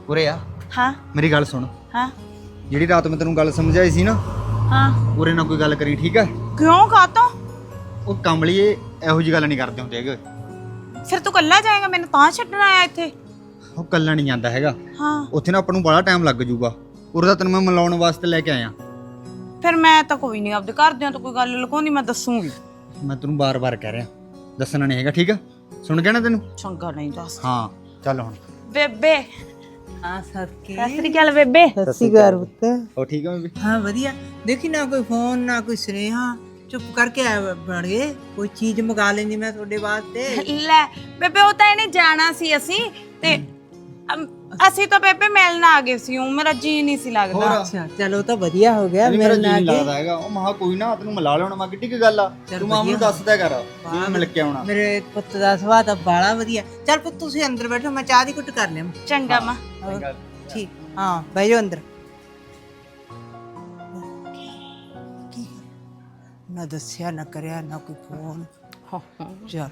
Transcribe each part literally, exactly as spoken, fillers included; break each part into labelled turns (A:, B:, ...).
A: ਉਰੇ ਆ।
B: ਹਾਂ
A: ਮੇਰੀ ਗੱਲ ਸੁਣ।
B: ਹਾਂ
A: ਜਿਹੜੀ ਰਾਤ ਮੈਂ ਤੈਨੂੰ ਗੱਲ ਸਮਝਾਈ ਸੀ ਨਾ,
B: ਹਾਂ
A: ਉਰੇ ਨਾਲ ਕੋਈ ਗੱਲ ਕਰੀ, ਠੀਕ ਹੈ?
B: ਕਿਉਂ ਕਾਤੋਂ?
A: ਉਹ ਕਮਲੀਏ ਇਹੋ ਜਿਹੀ ਗੱਲ ਨਹੀਂ ਕਰਦੇ ਹੁੰਦੇ ਹੈਗੇ।
B: ਫਿਰ ਤੂੰ ਕੱਲਾ ਜਾਏਗਾ, ਮੈਨੂੰ ਤਾਂ ਛੱਡਣ ਆਇਆ ਇੱਥੇ?
A: ਉਹ ਕੱਲਾ ਨਹੀਂ ਜਾਂਦਾ ਹੈਗਾ।
B: ਹਾਂ
A: ਉੱਥੇ ਨਾ ਆਪਾਂ ਨੂੰ ਬੜਾ ਟਾਈਮ ਲੱਗ ਜਾਊਗਾ। ਉਰੇ ਦਾ ਤੈਨੂੰ ਮੈਂ ਮਿਲਾਉਣ ਵਾਸਤੇ ਲੈ ਕੇ ਆਇਆ।
B: ਫਿਰ ਮੈਂ ਤਾਂ ਕੋਈ ਨਹੀਂ ਆਪਦੇ ਘਰਦਿਆਂ ਤੋਂ ਕੋਈ ਗੱਲ ਲੁਕਾਉਂਦੀ, ਮੈਂ ਦੱਸੂਗੀ।
A: ਮੈਂ ਤੈਨੂੰ ਬਾਰ-ਬਾਰ ਕਹਿ ਰਿਹਾ, ਦੱਸਣਾ ਨਹੀਂ ਹੈਗਾ, ਠੀਕ ਹੈ? ਸੁਣ ਗਿਆ ਨਾ ਤੈਨੂੰ?
B: ਚੰਗਾ ਨਹੀਂ ਦੱਸ।
A: ਹਾਂ ਚੱਲ ਹੁਣ।
B: ਬੇਬੇ
C: ਹਾਂ ਸਤਿ
B: ਸਤਿ ਸ੍ਰੀ ਅਕਾਲ ਬੇਬੇ।
C: ਸ੍ਰੀ ਅਕਾਲ ਪੁੱਤ।
A: ਉਹ ਠੀਕ ਹੈ ਬੀਬੀ?
C: ਹਾਂ ਵਧੀਆ। ਦੇਖੀ ਨਾ ਕੋਈ ਫੋਨ ਨਾ ਕੋਈ ਸੁਨੇਹਾ, ਚੁੱਪ ਕਰਕੇ ਆ ਬਣ ਗਏ। ਕੋਈ ਚੀਜ਼ ਮੰਗਾ ਲੈਂਦੀ ਮੈਂ ਤੁਹਾਡੇ ਵਾਸਤੇ।
B: ਲੈ ਬੇਬੇ, ਉਹ ਤਾਂ ਇਹਨੇ ਜਾਣਾ ਸੀ ਅਸੀਂ ਤੇ ਅਮ, ਅਸੀਂ ਤਾਂ ਬੇਬੇ ਮਿਲਣ ਆ ਗਏ ਸੀ। ਉਹ ਮੇਰਾ ਜੀ ਨਹੀਂ ਸੀ ਲੱਗਦਾ।
C: ਅੱਛਾ ਚਲੋ ਤਾਂ ਵਧੀਆ ਹੋ ਗਿਆ
A: ਮੇਰਾ
C: ਮੇਰੇ
A: ਜੀ
C: ਨਾਲ।
A: ਲੱਗਦਾ ਹੈਗਾ। ਉਹ ਮਹਾ ਕੋਈ ਨਾ ਤੈਨੂੰ ਮਿਲਾ ਲੈਣਾ। ਮੈਂ ਕਿੱਡੀ ਕੀ ਗੱਲ ਆ, ਤੂੰ ਮਾਂ ਨੂੰ ਦੱਸਦਾ ਕਰ ਜਿਵੇਂ ਮਿਲ ਕੇ ਆਉਣਾ।
C: ਮੇਰੇ ਪੁੱਤ ਦਾ ਸੁਭਾਅ ਤਾਂ ਬਾਲਾ ਵਧੀਆ। ਚੱਲ ਪੁੱਤ ਤੁਸੀਂ ਅੰਦਰ ਬੈਠੋ, ਮੈਂ ਚਾਹ ਦੀ ਘੁੱਟ ਕਰ ਲਿਆ।
B: ਚੰਗਾ ਮਾਂ।
C: ਠੀਕ ਹਾਂ ਬਹਿ ਜਾਓ ਅੰਦਰ। ਨਾ ਦੱਸਿਆ ਨਾ ਕਰਿਆ ਨਾ ਕੋਈ ਫੋਨ। ਚੱਲ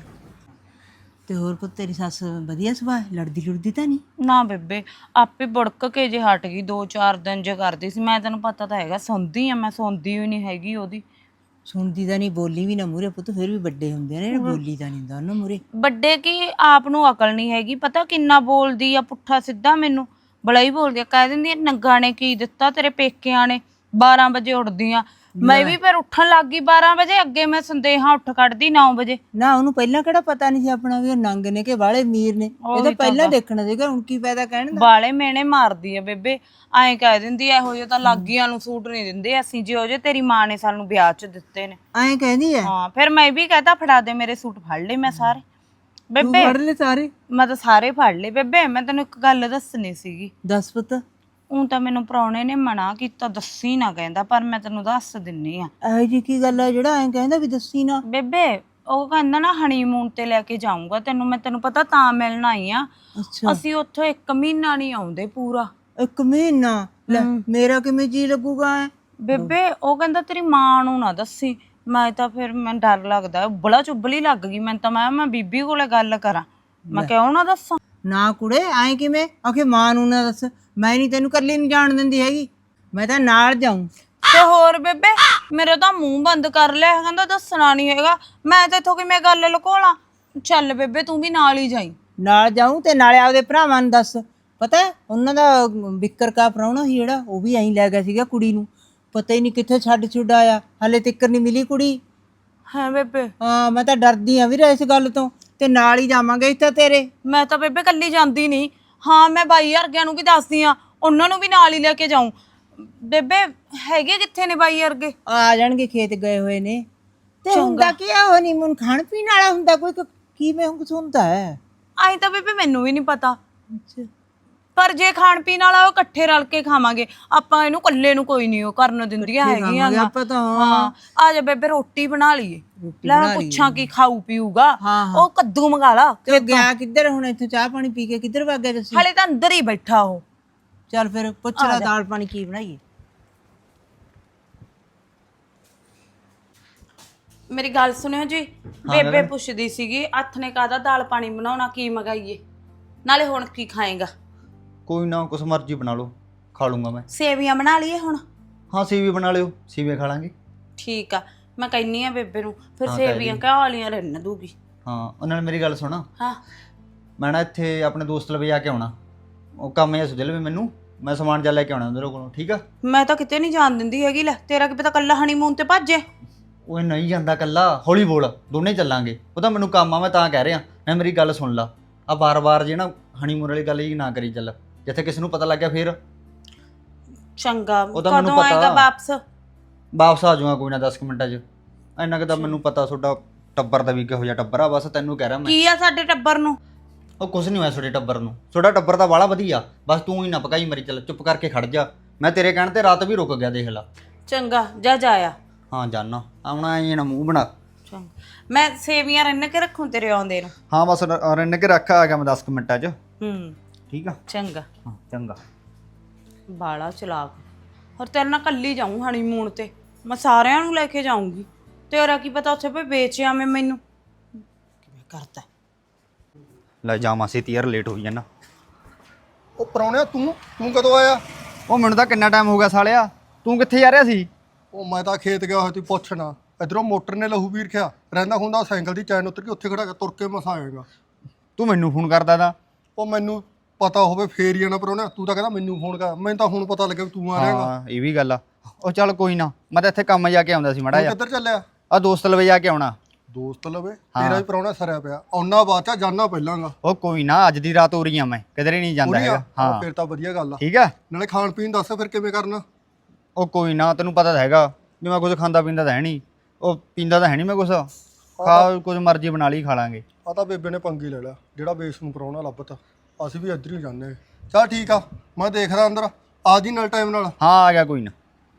C: ਤੇ ਹੋਰ ਪੁੱਤ ਤੇਰੀ ਸੱਸ ਵਧੀਆ ਸੁਭਾਅ, ਲੜਦੀ ਲੁੜਦੀ ਤਾਂ ਨਹੀਂ?
B: ਨਾ ਬੇਬੇ, ਆਪੇ ਬੜਕ ਕੇ ਜੇ ਹਟ ਗਈ। ਦੋ ਚਾਰ ਦਿਨ ਜੇ ਕਰਦੀ ਸੀ। ਮੈਂ ਤੈਨੂੰ ਪਤਾ ਤਾਂ ਹੈਗਾ, ਸੌਂਦੀ ਆ ਮੈਂ, ਸੌਂਦੀ ਹੀ ਨਹੀਂ ਹੈਗੀ ਉਹਦੀ।
C: ਸੁਣਦੀ ਤਾਂ ਨਹੀਂ, ਬੋਲੀ ਵੀ ਨਾ ਮੂਰੇ ਪੁੱਤ, ਫਿਰ ਵੀ ਵੱਡੇ ਹੁੰਦੇ ਨੇ, ਬੋਲੀ ਤਾਂ ਨਹੀਂ ਹੁੰਦਾ ਉਹਨਾਂ ਮੂਰੇ।
B: ਵੱਡੇ ਕੀ, ਆਪ ਨੂੰ ਅਕਲ ਨਹੀਂ ਹੈਗੀ। ਪਤਾ ਕਿੰਨਾ ਬੋਲਦੀ ਆ ਪੁੱਠਾ ਸਿੱਧਾ, ਮੈਨੂੰ ਬੜਾ ਹੀ ਬੋਲਦੀ ਆ। ਕਹਿ ਦਿੰਦੀ ਆ ਨੰਗਾ ਨੇ ਕੀ ਦਿੱਤਾ ਤੇਰੇ ਪੇਕਿਆਂ ਨੇ, ਬਾਰਾਂ ਵਜੇ ਉੱਠਦੀ ਆ। ਮੈਂ ਵੀ ਫਿਰ ਉੱਠਣ ਲੱਗ ਗਈ ਬਾਰਾਂ ਵਜੇ। ਅੱਗੇ ਮੈਂ ਸੰਦੇਹਾਂ ਉੱਠ ਕੱਢਦੀ ਨੌ ਵਜੇ।
C: ਨਾ ਉਹਨੂੰ ਪਹਿਲਾਂ ਕਿਹੜਾ ਪਤਾ ਨਹੀਂ ਸੀ ਆਪਣਾ ਵੀ ਉਹ ਨੰਗ ਨੇ ਕਿ ਵਾਲੇ ਅਮੀਰ ਨੇ? ਇਹ ਤਾਂ ਪਹਿਲਾਂ ਦੇਖਣਾ ਸੀਗਾ। ਹੁਣ ਕੀ ਫਾਇਦਾ ਕਹਿਣ ਦਾ।
B: ਬਾਲੇ ਮੇਨੇ ਮਾਰਦੀ ਆ ਬੇਬੇ। ਐਂ ਕਹਿ ਦਿੰਦੀ ਆ ਇਹੋ ਜਿਹੇ ਤਾਂ ਲਾਗੀਆਂ ਨੂੰ ਸੂਟ ਨਹੀਂ ਦਿੰਦੇ ਅਸੀਂ, ਜਿਹੋ ਜਿਹੇ ਤੇਰੀ ਮਾਂ ਨੇ ਸਾਨੂੰ ਵਿਆਹ 'ਚ ਦਿੱਤੇ ਨੇ।
C: ਐਂ ਕਹਿੰਦੀ ਐ?
B: ਹਾਂ ਫਿਰ ਮੈਂ ਵੀ ਕਹਤਾ ਫੜਾ ਦੇ ਮੇਰੇ ਸੂਟ। ਫੜ ਲਏ ਮੈਂ ਸਾਰੇ ਬੇਬੇ।
C: ਫੜ ਲੈ ਸਾਰੇ?
B: ਮੈਂ ਤਾਂ ਸਾਰੇ ਫੜ ਲਏ ਬੇਬੇ। ਮੈਂ ਤੈਨੂੰ ਇੱਕ ਗੱਲ ਦੱਸਣੀ ਸੀਗੀ।
C: ਦੱਸ ਪੁੱਤ।
B: ਉਹ ਤਾਂ ਮੈਨੂੰ ਪ੍ਰਾਹੁਣੇ ਨੇ ਮਨਾ ਕੀਤਾ, ਦੱਸੀ ਨਾ ਕਹਿੰਦਾ, ਪਰ ਮੈਂ ਤੈਨੂੰ ਦੱਸ ਦਿੰਨੀ ਆ।
C: ਇਹੋ ਜੀ ਕੀ ਗੱਲ ਆ ਜਿਹੜਾ ਐਂ ਕਹਿੰਦਾ ਵੀ ਦੱਸੀ ਨਾ?
B: ਬੇਬੇ ਉਹ ਕਹਿੰਦਾ ਨਾ ਹਨੀਮੂਨ ਤੇ ਲੈ ਕੇ ਜਾਊਂਗਾ ਤੈਨੂੰ। ਮੈਂ ਤੈਨੂੰ ਪਤਾ ਤਾਂ ਮਿਲਣ ਆਈ ਆ।
C: ਅੱਛਾ
B: ਅਸੀਂ ਉੱਥੋਂ ਇੱਕ ਮਹੀਨਾ ਨਹੀਂ ਆਉਂਦੇ ਪੂਰਾ।
C: ਇੱਕ ਮਹੀਨਾ? ਲੈ ਮੇਰਾ ਕਿਵੇਂ ਜੀ ਲੱਗੂਗਾ ਐ?
B: ਬੇਬੇ ਉਹ ਕਹਿੰਦਾ ਤੇਰੀ ਮਾਂ ਨੂੰ ਨਾ ਦੱਸੀ। ਮੈਂ ਤਾਂ ਫਿਰ ਮੈਨੂੰ ਡਰ ਲੱਗਦਾ, ਬੜਾ ਚੁੱਭਲੀ ਲੱਗ ਗਈ ਮੈਨੂੰ ਤਾਂ। ਮੈਂ ਮੈਂ ਬੀਬੀ ਕੋਲੇ ਗੱਲ ਕਰਾਂ, ਮੈਂ ਕਿਉਂ ਨਾ ਦੱਸਾਂ।
C: ਨਾ ਕੁੜੇ ਐਂ ਕਿਵੇਂ ਆਖੇ ਮਾਂ ਨੂੰ ਨਾ ਦੱਸ? ਮੈਂ ਨਹੀਂ ਤੈਨੂੰ ਇਕੱਲੀ ਨਹੀਂ ਜਾਣ ਦਿੰਦੀ ਹੈਗੀ, ਮੈਂ ਤਾਂ ਨਾਲ ਜਾਊਂ।
B: ਤੇ ਹੋਰ ਬੇਬੇ, ਮੇਰੇ ਤਾਂ ਮੂੰਹ ਬੰਦ ਕਰ ਲਿਆ, ਕਹਿੰਦਾ ਦੱਸਣਾ ਨਹੀਂ ਹੈਗਾ। ਮੈਂ ਤਾਂ ਇੱਥੋਂ ਕਿਵੇਂ ਗੱਲ ਲੁਕੋਲਾਂ। ਚੱਲ ਬੇਬੇ ਤੂੰ ਵੀ ਨਾਲ ਹੀ ਜਾਈ।
C: ਨਾਲ ਜਾਊਂ ਤੇ ਨਾਲੇ ਆਪਦੇ ਭਰਾਵਾਂ ਨੂੰ ਦੱਸ। ਪਤਾ ਉਹਨਾਂ ਦਾ ਵਿਕਰ ਕਾ ਪ੍ਰਾਹੁਣਾ ਸੀ ਜਿਹੜਾ, ਉਹ ਵੀ ਐਂ ਲੈ ਗਿਆ ਸੀਗਾ ਕੁੜੀ ਨੂੰ। ਪਤਾ ਹੀ ਨਹੀਂ ਕਿੱਥੇ ਛੱਡ ਛੁੱਡ ਆਇਆ, ਹਾਲੇ ਤੱਕ ਨਹੀਂ ਮਿਲੀ ਕੁੜੀ।
B: ਹਾਂ ਬੇਬੇ।
C: ਹਾਂ ਮੈਂ ਤਾਂ ਡਰਦੀ ਆ ਵੀਰ ਇਸ ਗੱਲ ਤੋਂ। ਤੇ ਨਾਲ ਹੀ ਜਾਵਾਂਗੇ ਇੱਥੇ ਤੇਰੇ।
B: ਮੈਂ ਤਾਂ ਬੇਬੇ ਕੱਲੀ ਜਾਂਦੀ ਨਹੀਂ। ਹਾਂ ਮੈਂ ਬਾਈ ਵਰਗਿਆਂ ਨੂੰ ਵੀ ਦੱਸਦੀ ਆ, ਉਹਨਾਂ ਨੂੰ ਵੀ ਨਾਲ ਹੀ ਲੈ ਕੇ ਜਾਊਂ। ਬੇਬੇ ਹੈਗੇ ਕਿੱਥੇ ਨੇ ਬਾਈ ਵਰਗੇ?
C: ਆ ਜਾਣਗੇ, ਖੇਤ ਗਏ ਹੋਏ ਨੇ। ਤੇ ਹੁੰਦਾ ਕੀ ਆ, ਉਹ ਨਹੀਂ ਮੁਨ ਖਾਣ ਪੀਣ ਵਾਲਾ ਹੁੰਦਾ ਕੋਈ? ਕਿਵੇਂ ਕੁਛ ਹੁੰਦਾ ਹੈ?
B: ਆਈ ਤਾਂ ਬੇਬੇ ਮੈਨੂੰ ਵੀ ਨਹੀਂ ਪਤਾ।
C: ਅੱਛਾ
B: ਪਰ ਜੇ ਖਾਣ ਪੀਣ ਵਾਲਾ ਉਹ ਇਕੱਠੇ ਰਲ ਕੇ ਖਾਵਾਂਗੇ ਆਪਾਂ। ਇਹਨੂੰ ਇਕੱਲੇ ਨੂੰ ਕੋਈ ਨਹੀਂ ਉਹ ਕਰਨ ਦਿੰਦੀਆਂ ਹੈਗੀਆਂ।
C: ਆਪਾਂ ਤਾਂ
B: ਹਾਂ ਆ ਜਾ ਬੇਬੇ ਰੋਟੀ ਬਣਾ ਲਈਏ। ਲੈ ਮੈਂ ਪੁੱਛਾਂ ਕੀ ਖਾਊ ਪੀਊਗਾ। ਉਹ ਕੱਦੂ ਮੰਗਾ ਲਾ।
C: ਤੇ ਗਿਆ ਕਿੱਧਰ ਹੁਣ? ਇੱਥੋਂ ਚਾਹ ਪਾਣੀ ਪੀ ਕੇ ਕਿੱਧਰ ਵਗ ਗਿਆ ਤੁਸੀਂ?
B: ਹਲੇ ਤਾਂ ਅੰਦਰ ਹੀ ਬੈਠਾ ਉਹ।
C: ਚੱਲ ਫਿਰ ਪੁੱਛ ਲੈ ਦਾਲ ਪਾਣੀ ਕੀ ਬਣਾਈਏ।
B: ਮੇਰੀ ਗੱਲ ਸੁਣਿਓ ਜੀ। ਬੇਬੇ ਪੁੱਛਦੀ ਸੀਗੀ ਹੱਥ ਨੇ ਕਾਹਦਾ ਦਾਲ ਪਾਣੀ ਬਣਾਉਣਾ, ਕੀ ਮੰਗਾਈਏ, ਨਾਲੇ ਹੁਣ ਕੀ ਖਾਏਗਾ?
A: ਕੋਈ ਨਾ ਕੁਛ ਮਰਜ਼ੀ ਬਣਾ ਲਓ, ਖਾ ਲੂੰਗਾ ਮੈਂ।
B: ਸੇਵੀਆਂ ਬਣਾ ਲਈਏ ਹੁਣ?
A: ਹਾਂ ਸੀਵੀ ਬਣਾ ਲਿਓ, ਸੀਵੀਆਂ ਖਾ ਲਾਂਗੇ।
B: ਠੀਕ ਆ, ਮੈਂ ਕਹਿੰਨੀ ਆ ਬੇਬੇ ਨੂੰ ਫਿਰ ਸੇਵੀਆਂ ਕਿਆ ਵਾਲੀਆਂ ਰਹਿਣ ਦੂਗੀ।
A: ਹਾਂ ਉਹਨਾਂ ਨੇ ਮੇਰੀ ਗੱਲ ਸੁਣਾ।
B: ਹਾਂ
A: ਮੈਂ ਨਾ ਇੱਥੇ ਆਪਣੇ ਦੋਸਤ ਲਵੇ ਜਾ ਕੇ ਆਉਣਾ। ਉਹ ਕੰਮ ਜਿਹਾ ਸੁਝਲ ਵੀ ਮੈਨੂੰ, ਮੈਂ ਸਮਾਨ ਜਾ ਲੈ ਕੇ ਆਉਣਾ ਉਹਨਾਂ ਕੋਲੋਂ, ਠੀਕ ਆ?
B: ਮੈਂ ਤਾਂ ਕਿਤੇ ਨਹੀਂ ਜਾਣ ਦਿੰਦੀ ਹੈਗੀ। ਲੈ ਤੇਰਾ ਕੀ ਪਤਾ ਕੱਲਾ ਹਨੀਮੂਨ ਤੇ ਭੱਜੇ।
A: ਉਹ ਨਹੀਂ ਜਾਂਦਾ ਕੱਲਾ, ਹੌਲੀ ਬੋਲ, ਦੋਨੇ ਚੱਲਾਂਗੇ। ਉਹ ਤਾਂ ਮੈਨੂੰ ਕੰਮ ਆ, ਮੈਂ ਤਾਂ ਕਹਿ ਰਿਹਾ। ਮੈਂ ਮੇਰੀ ਗੱਲ ਸੁਣ ਲਾ, ਆ ਬਾਰ-ਬਾਰ ਜੇ ਨਾ ਹਨੀਮੂਨ ਵਾਲੀ ਗੱਲ ਹੀ ਨਾ ਕਰੀ ਚੱਲ, ਜਿੱਥੇ ਕਿਸੇ ਨੂੰ ਪਤਾ ਲੱਗ ਗਿਆ ਫਿਰ।
B: ਚੰਗਾ ਕਦੋਂ ਆਏਗਾ ਵਾਪਸ?
A: ਵਾਪਸ ਆ ਜਾਊਗਾ ਕੋਈ ਨਾ ਦਸ ਮਿੰਟਾਂ 'ਚ। ਇੰਨਾ ਕੁ ਤਾਂ ਮੈਨੂੰ ਪਤਾ ਤੁਹਾਡਾ ਟੱਬਰ ਦਾ ਵੀ ਕਿਹੋ ਜਿਹਾ ਟੱਬਰ ਆ। ਬਸ ਤੈਨੂੰ ਕਹਿ ਰਿਹਾ ਮੈਂ।
B: ਕੀ ਆ ਸਾਡੇ ਟੱਬਰ ਨੂੰ?
A: ਉਹ ਕੁਛ ਨਹੀਂ ਹੋਇਆ ਤੁਹਾਡੇ ਟੱਬਰ ਨੂੰ। ਤੁਹਾਡਾ ਟੱਬਰ ਤਾਂ ਬਾਹਲਾ ਵਧੀਆ, ਬਸ ਤੂੰ ਹੀ ਨਾ ਪਕਾਈ ਮਰੀ। ਚੱਲ ਚੁੱਪ ਕਰਕੇ ਖੜ ਜਾ। ਮੈਂ ਤੇਰੇ ਕਹਿਣ ਤੇ ਰਾਤ ਵੀ ਰੁਕ ਗਿਆ, ਦੇਖ ਲਾ।
B: ਚੰਗਾ ਜਾ ਜਾਇਆ। ਹਾਂ
A: ਜਾਨਾ ਆਉਣਾ ਐ ਨਾ ਮੂੰਹ ਬਣਾ।
B: ਚੰਗਾ ਮੈਂ ਸੇਵੀਆਂ ਰਿੰਨ ਕੇ ਰੱਖੂੰ ਤੇਰੇ ਆਉਂਦੇ ਨੂੰ।
A: ਹਾਂ ਬਸ ਰਿੰਨ ਕੇ ਰੱਖ, ਆ ਗਿਆ ਮੈਂ ਦਸ ਮਿੰਟਾਂ 'ਚ।
B: ਹੂੰ
A: ਠੀਕ ਆ।
B: ਚੰਗਾ।
A: ਹਾਂ ਚੰਗਾ।
B: ਬਾਲਾ ਚਲਾਕ। ਹੋਰ ਤੇਰੇ ਨਾਲ ਕੱਲੀ ਜਾਊਂ ਹਨੀਮੂਨ ਤੇ, ਮੈਂ ਸਾਰਿਆਂ ਨੂੰ ਲੈ ਕੇ ਜਾਊਂਗੀ। ਤੇਰਾ ਕੀ ਪਤਾ ਉੱਥੇ ਪੇ ਵੇਚਿਆ ਮੈਂ ਮੈਨੂੰ ਕਿਵੇਂ ਕਰਦਾ।
A: ਲੈ ਜਾ ਮਾਸੀ, ਤੀਰ ਲੇਟ ਹੋਈ ਜਾਣਾ। ਉਹ
D: ਪ੍ਰਾਹੁਣਿਆ ਤੂੰ ਤੂੰ ਕਦੋਂ ਆਇਆ?
A: ਉਹ ਮੈਨੂੰ ਤਾਂ ਕਿੰਨਾ ਟਾਈਮ ਹੋ ਗਿਆ ਸਾਲਿਆ, ਤੂੰ ਕਿੱਥੇ ਜਾ ਰਿਹਾ ਸੀ?
D: ਉਹ ਮੈਂ ਤਾਂ ਖੇਤ ਗਿਆ ਹੋਇਆ ਸੀ ਪੁੱਛਣਾ, ਇਧਰੋਂ ਮੋਟਰ ਨੇ ਲਹੂ ਵੀਰ ਖਿਆ ਰਹਿੰਦਾ ਹੁੰਦਾ ਸਾਈਕਲ ਦੀ ਚੈਨ ਉੱਤਰ ਕੇ ਉੱਥੇ ਖੜਾ ਕੇ ਤੁਰ ਕੇ ਮਸਾ ਆਏਗਾ।
A: ਤੂੰ ਮੈਨੂੰ ਫੋਨ ਕਰਦਾ ਤਾਂ।
D: ਉਹ ਮੈਨੂੰ ਪਤਾ ਹੋਵੇ ਫੇਰ ਹੀ ਆਣਾ ਪ੍ਰਾਹੁਣਿਆ, ਤੂੰ ਤਾਂ ਕਹਿੰਦਾ ਮੈਨੂੰ ਫੋਨ ਕਰ, ਮੈਨੂੰ ਤਾਂ ਹੁਣ ਪਤਾ ਲੱਗਿਆ ਵੀ ਤੂੰ ਆ ਰਿਹਾਗਾ।
A: ਹਾਂ ਇਹ ਵੀ ਗੱਲ ਆ। ਉਹ ਚੱਲ ਕੋਈ ਨਾ, ਮੈਂ ਤਾਂ ਇੱਥੇ ਕੰਮ ਜਾ ਕੇ ਆਉਂਦਾ ਸੀ ਮਾੜਾ ਜਿਹਾ।
D: ਕਿੱਧਰ ਚੱਲਿਆ?
A: ਆ ਦੋਸਤ ਲਵੇ ਜਾ ਕੇ ਆਉਣਾ।
D: ਦੋਸਤ ਲਵੇ? ਤੇਰਾ ਵੀ ਪ੍ਰਾਹੁਣਾ ਸਰਿਆ ਪਿਆ, ਆਉਣਾ ਬਾਅਦ ਚ ਜਾਣਾ ਪਹਿਲਾਂਗਾ।
A: ਉਹ ਕੋਈ ਨਾ, ਅੱਜ ਦੀ ਰਾਤ ਹੋ ਰਹੀ ਆ, ਮੈਂ ਕਿਧਰੇ ਨਹੀਂ ਜਾਂਦਾ ਹੈਗਾ। ਹਾਂ
D: ਫੇਰ ਤਾਂ ਵਧੀਆ ਗੱਲ ਆ।
A: ਠੀਕ ਆ,
D: ਨਾਲੇ ਖਾਣ ਪੀਣ ਦੱਸ ਫਿਰ ਕਿਵੇਂ ਕਰਨਾ?
A: ਉਹ ਕੋਈ ਨਾ, ਤੈਨੂੰ ਪਤਾ ਤਾਂ ਹੈਗਾ ਵੀ ਮੈਂ ਕੁਝ ਖਾਂਦਾ ਪੀਂਦਾ ਤਾਂ ਹੈ ਨਹੀਂ, ਉਹ ਪੀਂਦਾ ਤਾਂ ਹੈ ਨਹੀਂ ਮੈਂ ਕੁਛ, ਖਾ ਕੁਝ ਮਰਜ਼ੀ ਬਣਾ ਲਈ ਖਾ ਲਾਂਗੇ।
D: ਆ ਤਾਂ ਬੇਬੇ ਨੇ ਪੰਗੀ ਲੈ ਲਿਆ, ਜਿਹੜਾ ਬੇਸ ਨੂੰ ਪ੍ਰਾਹੁਣਾ ਲੱਭਤਾ, ਅਸੀਂ ਵੀ ਇੱਧਰ ਹੀ ਜਾਂਦੇ। ਚੱਲ ਠੀਕ ਆ, ਮੈਂ ਦੇਖਦਾ ਅੰਦਰ ਆ ਜੀ ਨਾਲ ਟਾਈਮ ਨਾਲ।
A: ਹਾਂ ਆ ਗਿਆ ਕੋਈ ਨਾ।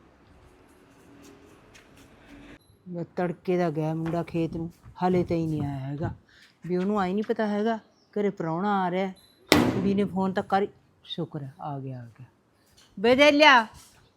C: ਮੈਂ ਤੜਕੇ ਦਾ ਗਿਆ ਮੁੰਡਾ ਖੇਤ ਨੂੰ, ਹਾਲੇ ਤਾਂ ਹੀ ਨਹੀਂ ਆਇਆ ਹੈਗਾ। ਵੀ ਉਹਨੂੰ ਆਈ ਨਹੀਂ ਪਤਾ ਹੈਗਾ ਘਰੇ ਪ੍ਰਾਹੁਣਾ ਆ ਰਿਹਾ। ਕੁੜੀ ਨੇ ਫੋਨ ਤਾਂ ਕਰ, ਸ਼ੁਕਰ ਹੈ ਆ ਗਿਆ ਆ ਗਿਆ। ਬੇਦੇਲਿਆ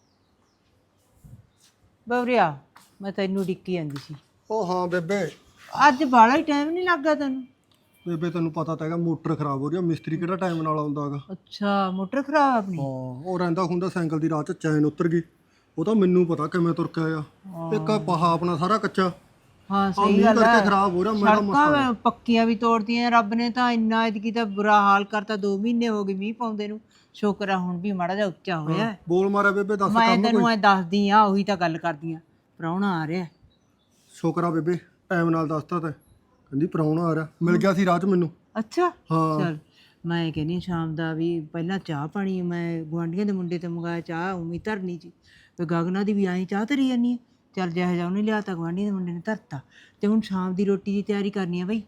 C: ਬਵਰਿਆ, ਮੈਂ ਤੈਨੂੰ ਡਿੱਕੀ ਜਾਂਦੀ ਸੀ।
D: ਉਹ ਹਾਂ ਬੇਬੇ,
C: ਅੱਜ ਬਾਲਾ ਹੀ ਟਾਈਮ ਨਹੀਂ ਲੱਗਾ ਤੈਨੂੰ?
D: ਬੇਬੇ ਤੈਨੂੰ ਪਤਾ ਤਾਂ ਹੈਗਾ ਮੋਟਰ ਖਰਾਬ ਹੋ ਰਹੀ ਆ, ਮਿਸਤਰੀ ਕਿਹੜਾ ਟਾਈਮ ਨਾਲ ਆਉਂਦਾ ਹੈਗਾ।
C: ਅੱਛਾ ਮੋਟਰ ਖਰਾਬ ਆਪਣੀ?
D: ਹਾਂ ਉਹ ਰਹਿੰਦਾ ਹੁੰਦਾ ਸਾਈਕਲ ਦੀ ਰਾਤ ਚ ਚੈਨ ਉਤਰ ਗਈ, ਉਹ ਤਾਂ ਮੈਨੂੰ ਪਤਾ ਕਿਵੇਂ ਤੁਰ ਕੇ ਆਇਆ। ਇੱਕ ਪਹਾ ਆਪਣਾ ਸਾਰਾ ਕੱਚਾ,
C: ਹਾਂ
D: ਆ
C: ਸਹੀ
D: ਮੀਂਹ
C: ਗੱਲ
D: ਕਰਕੇ
C: ਹੈ।
D: ਖਰਾਬ ਹੋ ਰਿਹਾ। ਮੇਰਾ
C: ਸੜਕਾਂ ਪੱਕੀਆਂ ਵੀ ਤੋੜਦੀਆਂ ਰੱਬ ਨੇ ਤਾਂ, ਇੰਨਾ ਇਤਕੀ ਤਾਂ ਬੁਰਾ ਹਾਲ ਕਰਤਾ। ਦੋ ਮਹੀਨੇ ਹੋ ਗਏ ਮੀਂਹ ਪਾਉਂਦੇ ਨੂੰ, ਸ਼ੁਕਰ ਆ ਹੁਣ ਵੀ ਮਾੜਾ ਜਿਹਾ ਉੱਚਾ ਹੋਇਆ।
D: ਬੋਲ ਮਾਰਿਆ ਬੇਬੇ, ਦੱਸ
C: ਮੈਂ
D: ਕੰਮ
C: ਤੈਨੂੰ
D: ਕੋਈ?
C: ਐ ਦੱਸਦੀ ਆ, ਉਹੀ ਤਾਂ ਗੱਲ ਕਰਦੀ ਆ, ਪ੍ਰਾਹੁਣਾ ਆ ਰਿਹਾ।
D: ਸ਼ੁਕਰ ਆ ਬੇਬੇ ਟਾਈਮ ਨਾਲ ਦੱਸਤਾ ਤੇ, ਕਹਿੰਦੀ ਪ੍ਰਾਹੁਣਾ ਆ ਰਿਹਾ, ਮਿਲ ਗਿਆ ਸੀ ਰਾਹ ਚ ਮੈਨੂੰ।
C: ਅੱਛਾ
D: ਹਾਂ
C: ਚਲ, ਮੈਂ ਕਹਿੰਦੀ ਸ਼ਾਮ ਦਾ ਵੀ ਪਹਿਲਾਂ ਚਾਹ ਪਾਣੀ ਮੈਂ ਗੁਆਂਢੀਆਂ ਦੇ ਮੁੰਡੇ ਤੇ ਮੰਗਾਇਆ, ਚਾਹ ਉਮੀ ਧਰਨੀ ਸੀ ਤੇ ਗਗਨਾ ਦੀ ਵੀ ਆਈ ਚਾਹ ਧਰੀ ਜਾਨੀ ਆ। ਚੱਲ ਜਿਹੋ ਜਿਹਾ ਉਹਨੇ ਲਿਆ ਤਾਂ ਗੁਆਂਢੀਆਂ ਦੇ ਮੁੰਡੇ ਨੇ ਧਰਤਾ, ਤੇ ਹੁਣ ਸ਼ਾਮ ਦੀ ਰੋਟੀ ਦੀ ਤਿਆਰੀ ਕਰਨੀ ਆ ਬਈ।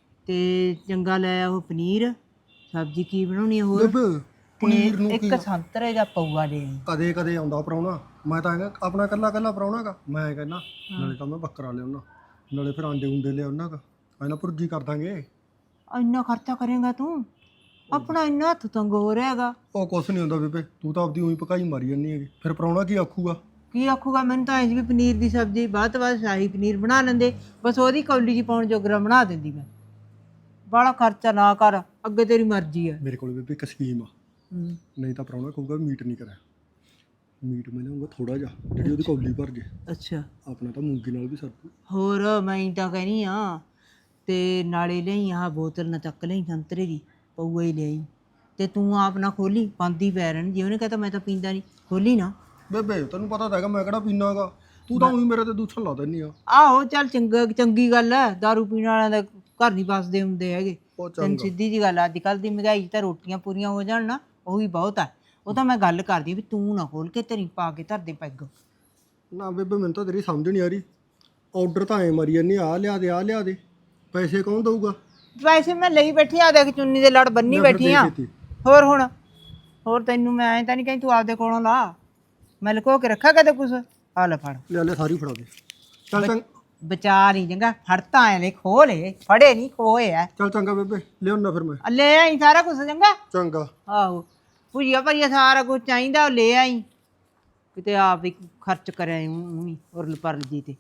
C: ਤੇ ਚੰਗਾ ਲੈ ਉਹ ਪਨੀਰ, ਸਬਜ਼ੀ ਕੀ ਬਣਾਉਣੀ ਆ ਹੋਰ,
D: ਬੇਬੇ ਪਨੀਰ ਨੂੰ
C: ਇੱਕ ਸੰਤਰੇ ਦਾ ਪਊਆ ਦੇ ਆਈ।
D: ਕਦੇ ਕਦੇ ਆਉਂਦਾ ਪ੍ਰਾਹੁਣਾ, ਮੈਂ ਤਾਂ ਹੈਗਾ ਆਪਣਾ ਕੱਲਾ ਕੱਲਾ ਪ੍ਰਾਹੁਣਾ ਗਾ। ਮੈਂ ਕਹਿੰਦਾ ਨਾਲੇ ਤਾਂ ਮੈਂ ਬੱਕਰਾ ਲਿਆਉਣਾ, ਨਾਲੇ ਫਿਰ ਆਂਡੇ ਉਂਡੇ ਲਿਆਉਣਾ ਗਾ, ਇਹਨਾਂ ਭੁਰਜੀ ਕਰ ਦਾਂਗੇ।
C: ਇੰਨਾ ਖਰਚਾ ਕਰੇਗਾ ਤੂੰ? ਆਪਣਾ ਇੰਨਾ ਹੱਥ ਤੰਗ ਹੋ ਰਿਹਾ ਹੈਗਾ।
D: ਉਹ ਕੁਛ ਨਹੀਂ ਹੁੰਦਾ ਬੇਬੇ, ਤੂੰ ਤਾਂ ਆਪਦੀ ਉਹੀ ਪਕਾਈ ਮਾਰੀ ਜਾਂਦੀ ਹੈਗੀ, ਫਿਰ ਪ੍ਰਾਹੁਣਾ ਕੀ ਆਖੂਗਾ?
C: ਕੀ ਆਖੂਗਾ? ਮੈਨੂੰ ਤਾਂ ਐਂ ਵੀ ਪਨੀਰ ਦੀ ਸਬਜ਼ੀ ਬਾਅਦ ਤੋਂ ਬਾਅਦ ਸ਼ਾਹੀ ਪਨੀਰ ਬਣਾ ਲੈਂਦੇ, ਬਸ ਉਹਦੀ ਕੌਲੀ ਜੀ ਪਾਉਣ ਜੋਗਰਾ ਬਣਾ ਦਿੰਦੀ ਮੈਂ। ਬਾਹਲਾ ਖਰਚਾ ਨਾ ਕਰ, ਅੱਗੇ ਤੇਰੀ ਮਰਜ਼ੀ ਆ।
D: ਮੇਰੇ ਕੋਲ ਬੇਬੇ ਇੱਕ ਸਕੀਮ ਆ, ਨਹੀਂ ਤਾਂ ਪ੍ਰਾਹੁਣਾ ਕਹੂਗਾ ਮੀਟ ਨਹੀਂ ਕਰਿਆ, ਮੀਟ ਮੈਂ ਲਿਆਉਂਗਾ ਥੋੜਾ ਜਿਹਾ, ਜਿਹੜੀ ਉਹਦੀ ਕੌਲੀ ਭਰ ਜੇ।
C: ਅੱਛਾ
D: ਆਪਣਾ ਤਾਂ ਮੂੰਗੀ ਨਾਲ ਵੀ ਸਰਦੂ।
C: ਹੋਰ ਮੈਂ ਤਾਂ ਕਹਿਨੀ ਆ, ਤੇ ਨਾਲੇ ਲਈ ਆਹ ਬੋਤਲ ਨਾ ਚੱਕ ਲਈ ਸੰਤਰੇ ਦੀ, ਪਊਆ ਹੀ ਲਈ, ਤੇ ਤੂੰ ਆਪ ਨਾ ਖੋਲੀ, ਪਾਂਦੀ ਪੈ ਰਹਿਣ। ਜੇ ਉਹਨੇ ਕਹਤਾ ਮੈਂ ਤਾਂ ਪੀਂਦਾ ਨਹੀਂ, ਖੋਲੀ ਨਾ।
D: ਬੇਬੇ ਤੈਨੂੰ ਪਤਾ ਤਾਂ ਹੈਗਾ ਮੈਂ ਕਿਹੜਾ ਪੀਨਾ ਹੈਗਾ, ਤੂੰ ਤਾਂ ਉਹੀ ਮੇਰੇ ਤੇ ਦੂਸਣ ਲਾ ਦਿੰਦੀ ਆ।
C: ਆਹੋ ਚੱਲ ਚੰਗਾ, ਚੰਗੀ ਗੱਲ ਹੈ, ਦਾਰੂ ਪੀਣ ਵਾਲਿਆਂ ਦਾ ਘਰ ਨਹੀਂ ਵੱਸਦੇ ਹੁੰਦੇ ਹੈਗੇ।
D: ਉਹ
C: ਤੈਨੂੰ
D: ਚੰਗਾ
C: ਸਿੱਧੀ ਜੀ ਗੱਲ, ਅੱਜ ਕੱਲ੍ਹ ਦੀ ਮਹਿੰਗਾਈ 'ਚ ਤਾਂ ਰੋਟੀਆਂ ਪੂਰੀਆਂ ਹੋ ਜਾਣ ਨਾ, ਉਹ ਵੀ ਬਹੁਤ ਆ। ਉਹ ਤਾਂ ਮੈਂ ਗੱਲ ਕਰਦੀ ਵੀ ਤੂੰ ਨਾ ਖੋਲ ਕੇ ਤੇਰੀ ਪਾ ਕੇ ਧਰਦੇ ਪੈਗ।
D: ਨਾ ਬੇਬੇ ਮੈਨੂੰ ਤਾਂ ਤੇਰੀ ਸਮਝ ਨਹੀਂ ਆ ਰਹੀ, ਆਰਡਰ ਤਾਂ ਐ ਮਾਰੀ ਜਾਂਦੀ, ਆ ਲਿਆ ਦੇ ਆ ਲਿਆ ਦੇ, ਪੈਸੇ ਕੌਣ ਦਊਗਾ?
C: ਵੈਸੇ ਮੈਂ ਲਈ ਬੈਠੀ ਆ, ਦੇਖ ਚੁੰਨੀ ਦੇ ਲੜ ਬੰਨੀ ਬੈਠੀ ਆ। ਹੋਰ ਹੁਣ ਹੋਰ ਤੈਨੂੰ ਮੈਂ ਐਂ ਤਾਂ ਨਹੀਂ ਕਹੀਂ ਤੂੰ ਆਪਦੇ ਕੋਲੋਂ ਲਾ, ਮੈਂ ਲੁਕੋ ਕੇ ਰੱਖਾ ਕਦੇ ਕੁਛ। ਆ ਲੈ ਫੜ,
D: ਲੈ ਲੈ ਸਾਰੀ ਫੜਾ ਦੇ। ਚੱਲ ਚੰਗਾ,
C: ਬਚਾ ਨਹੀਂ ਚੰਗਾ, ਫੜਤਾ ਐ ਲੈ, ਖੋਹ ਲੈ, ਫੜੇ ਨਹੀਂ ਖੋਏ ਐ।
D: ਚੱਲ ਚੰਗਾ ਬੇਬੇ ਲਿਆਉਣਾ ਫਿਰ ਮੈਂ।
C: ਲੈ ਆਈ ਸਾਰਾ ਕੁਛ ਚੰਗਾ।
D: ਚੰਗਾ
C: ਆਹੋ ਭੁਜੀਆ ਭਰੀਆ ਸਾਰਾ ਕੁਝ ਚਾਹੀਦਾ ਉਹ ਲੈ ਆਈ, ਕਿਤੇ ਆਪ ਵੀ ਖਰਚ ਕਰਿਆ ਉਹੀ ਉਰਲ ਪਰਲ ਜੀ ਤੇ।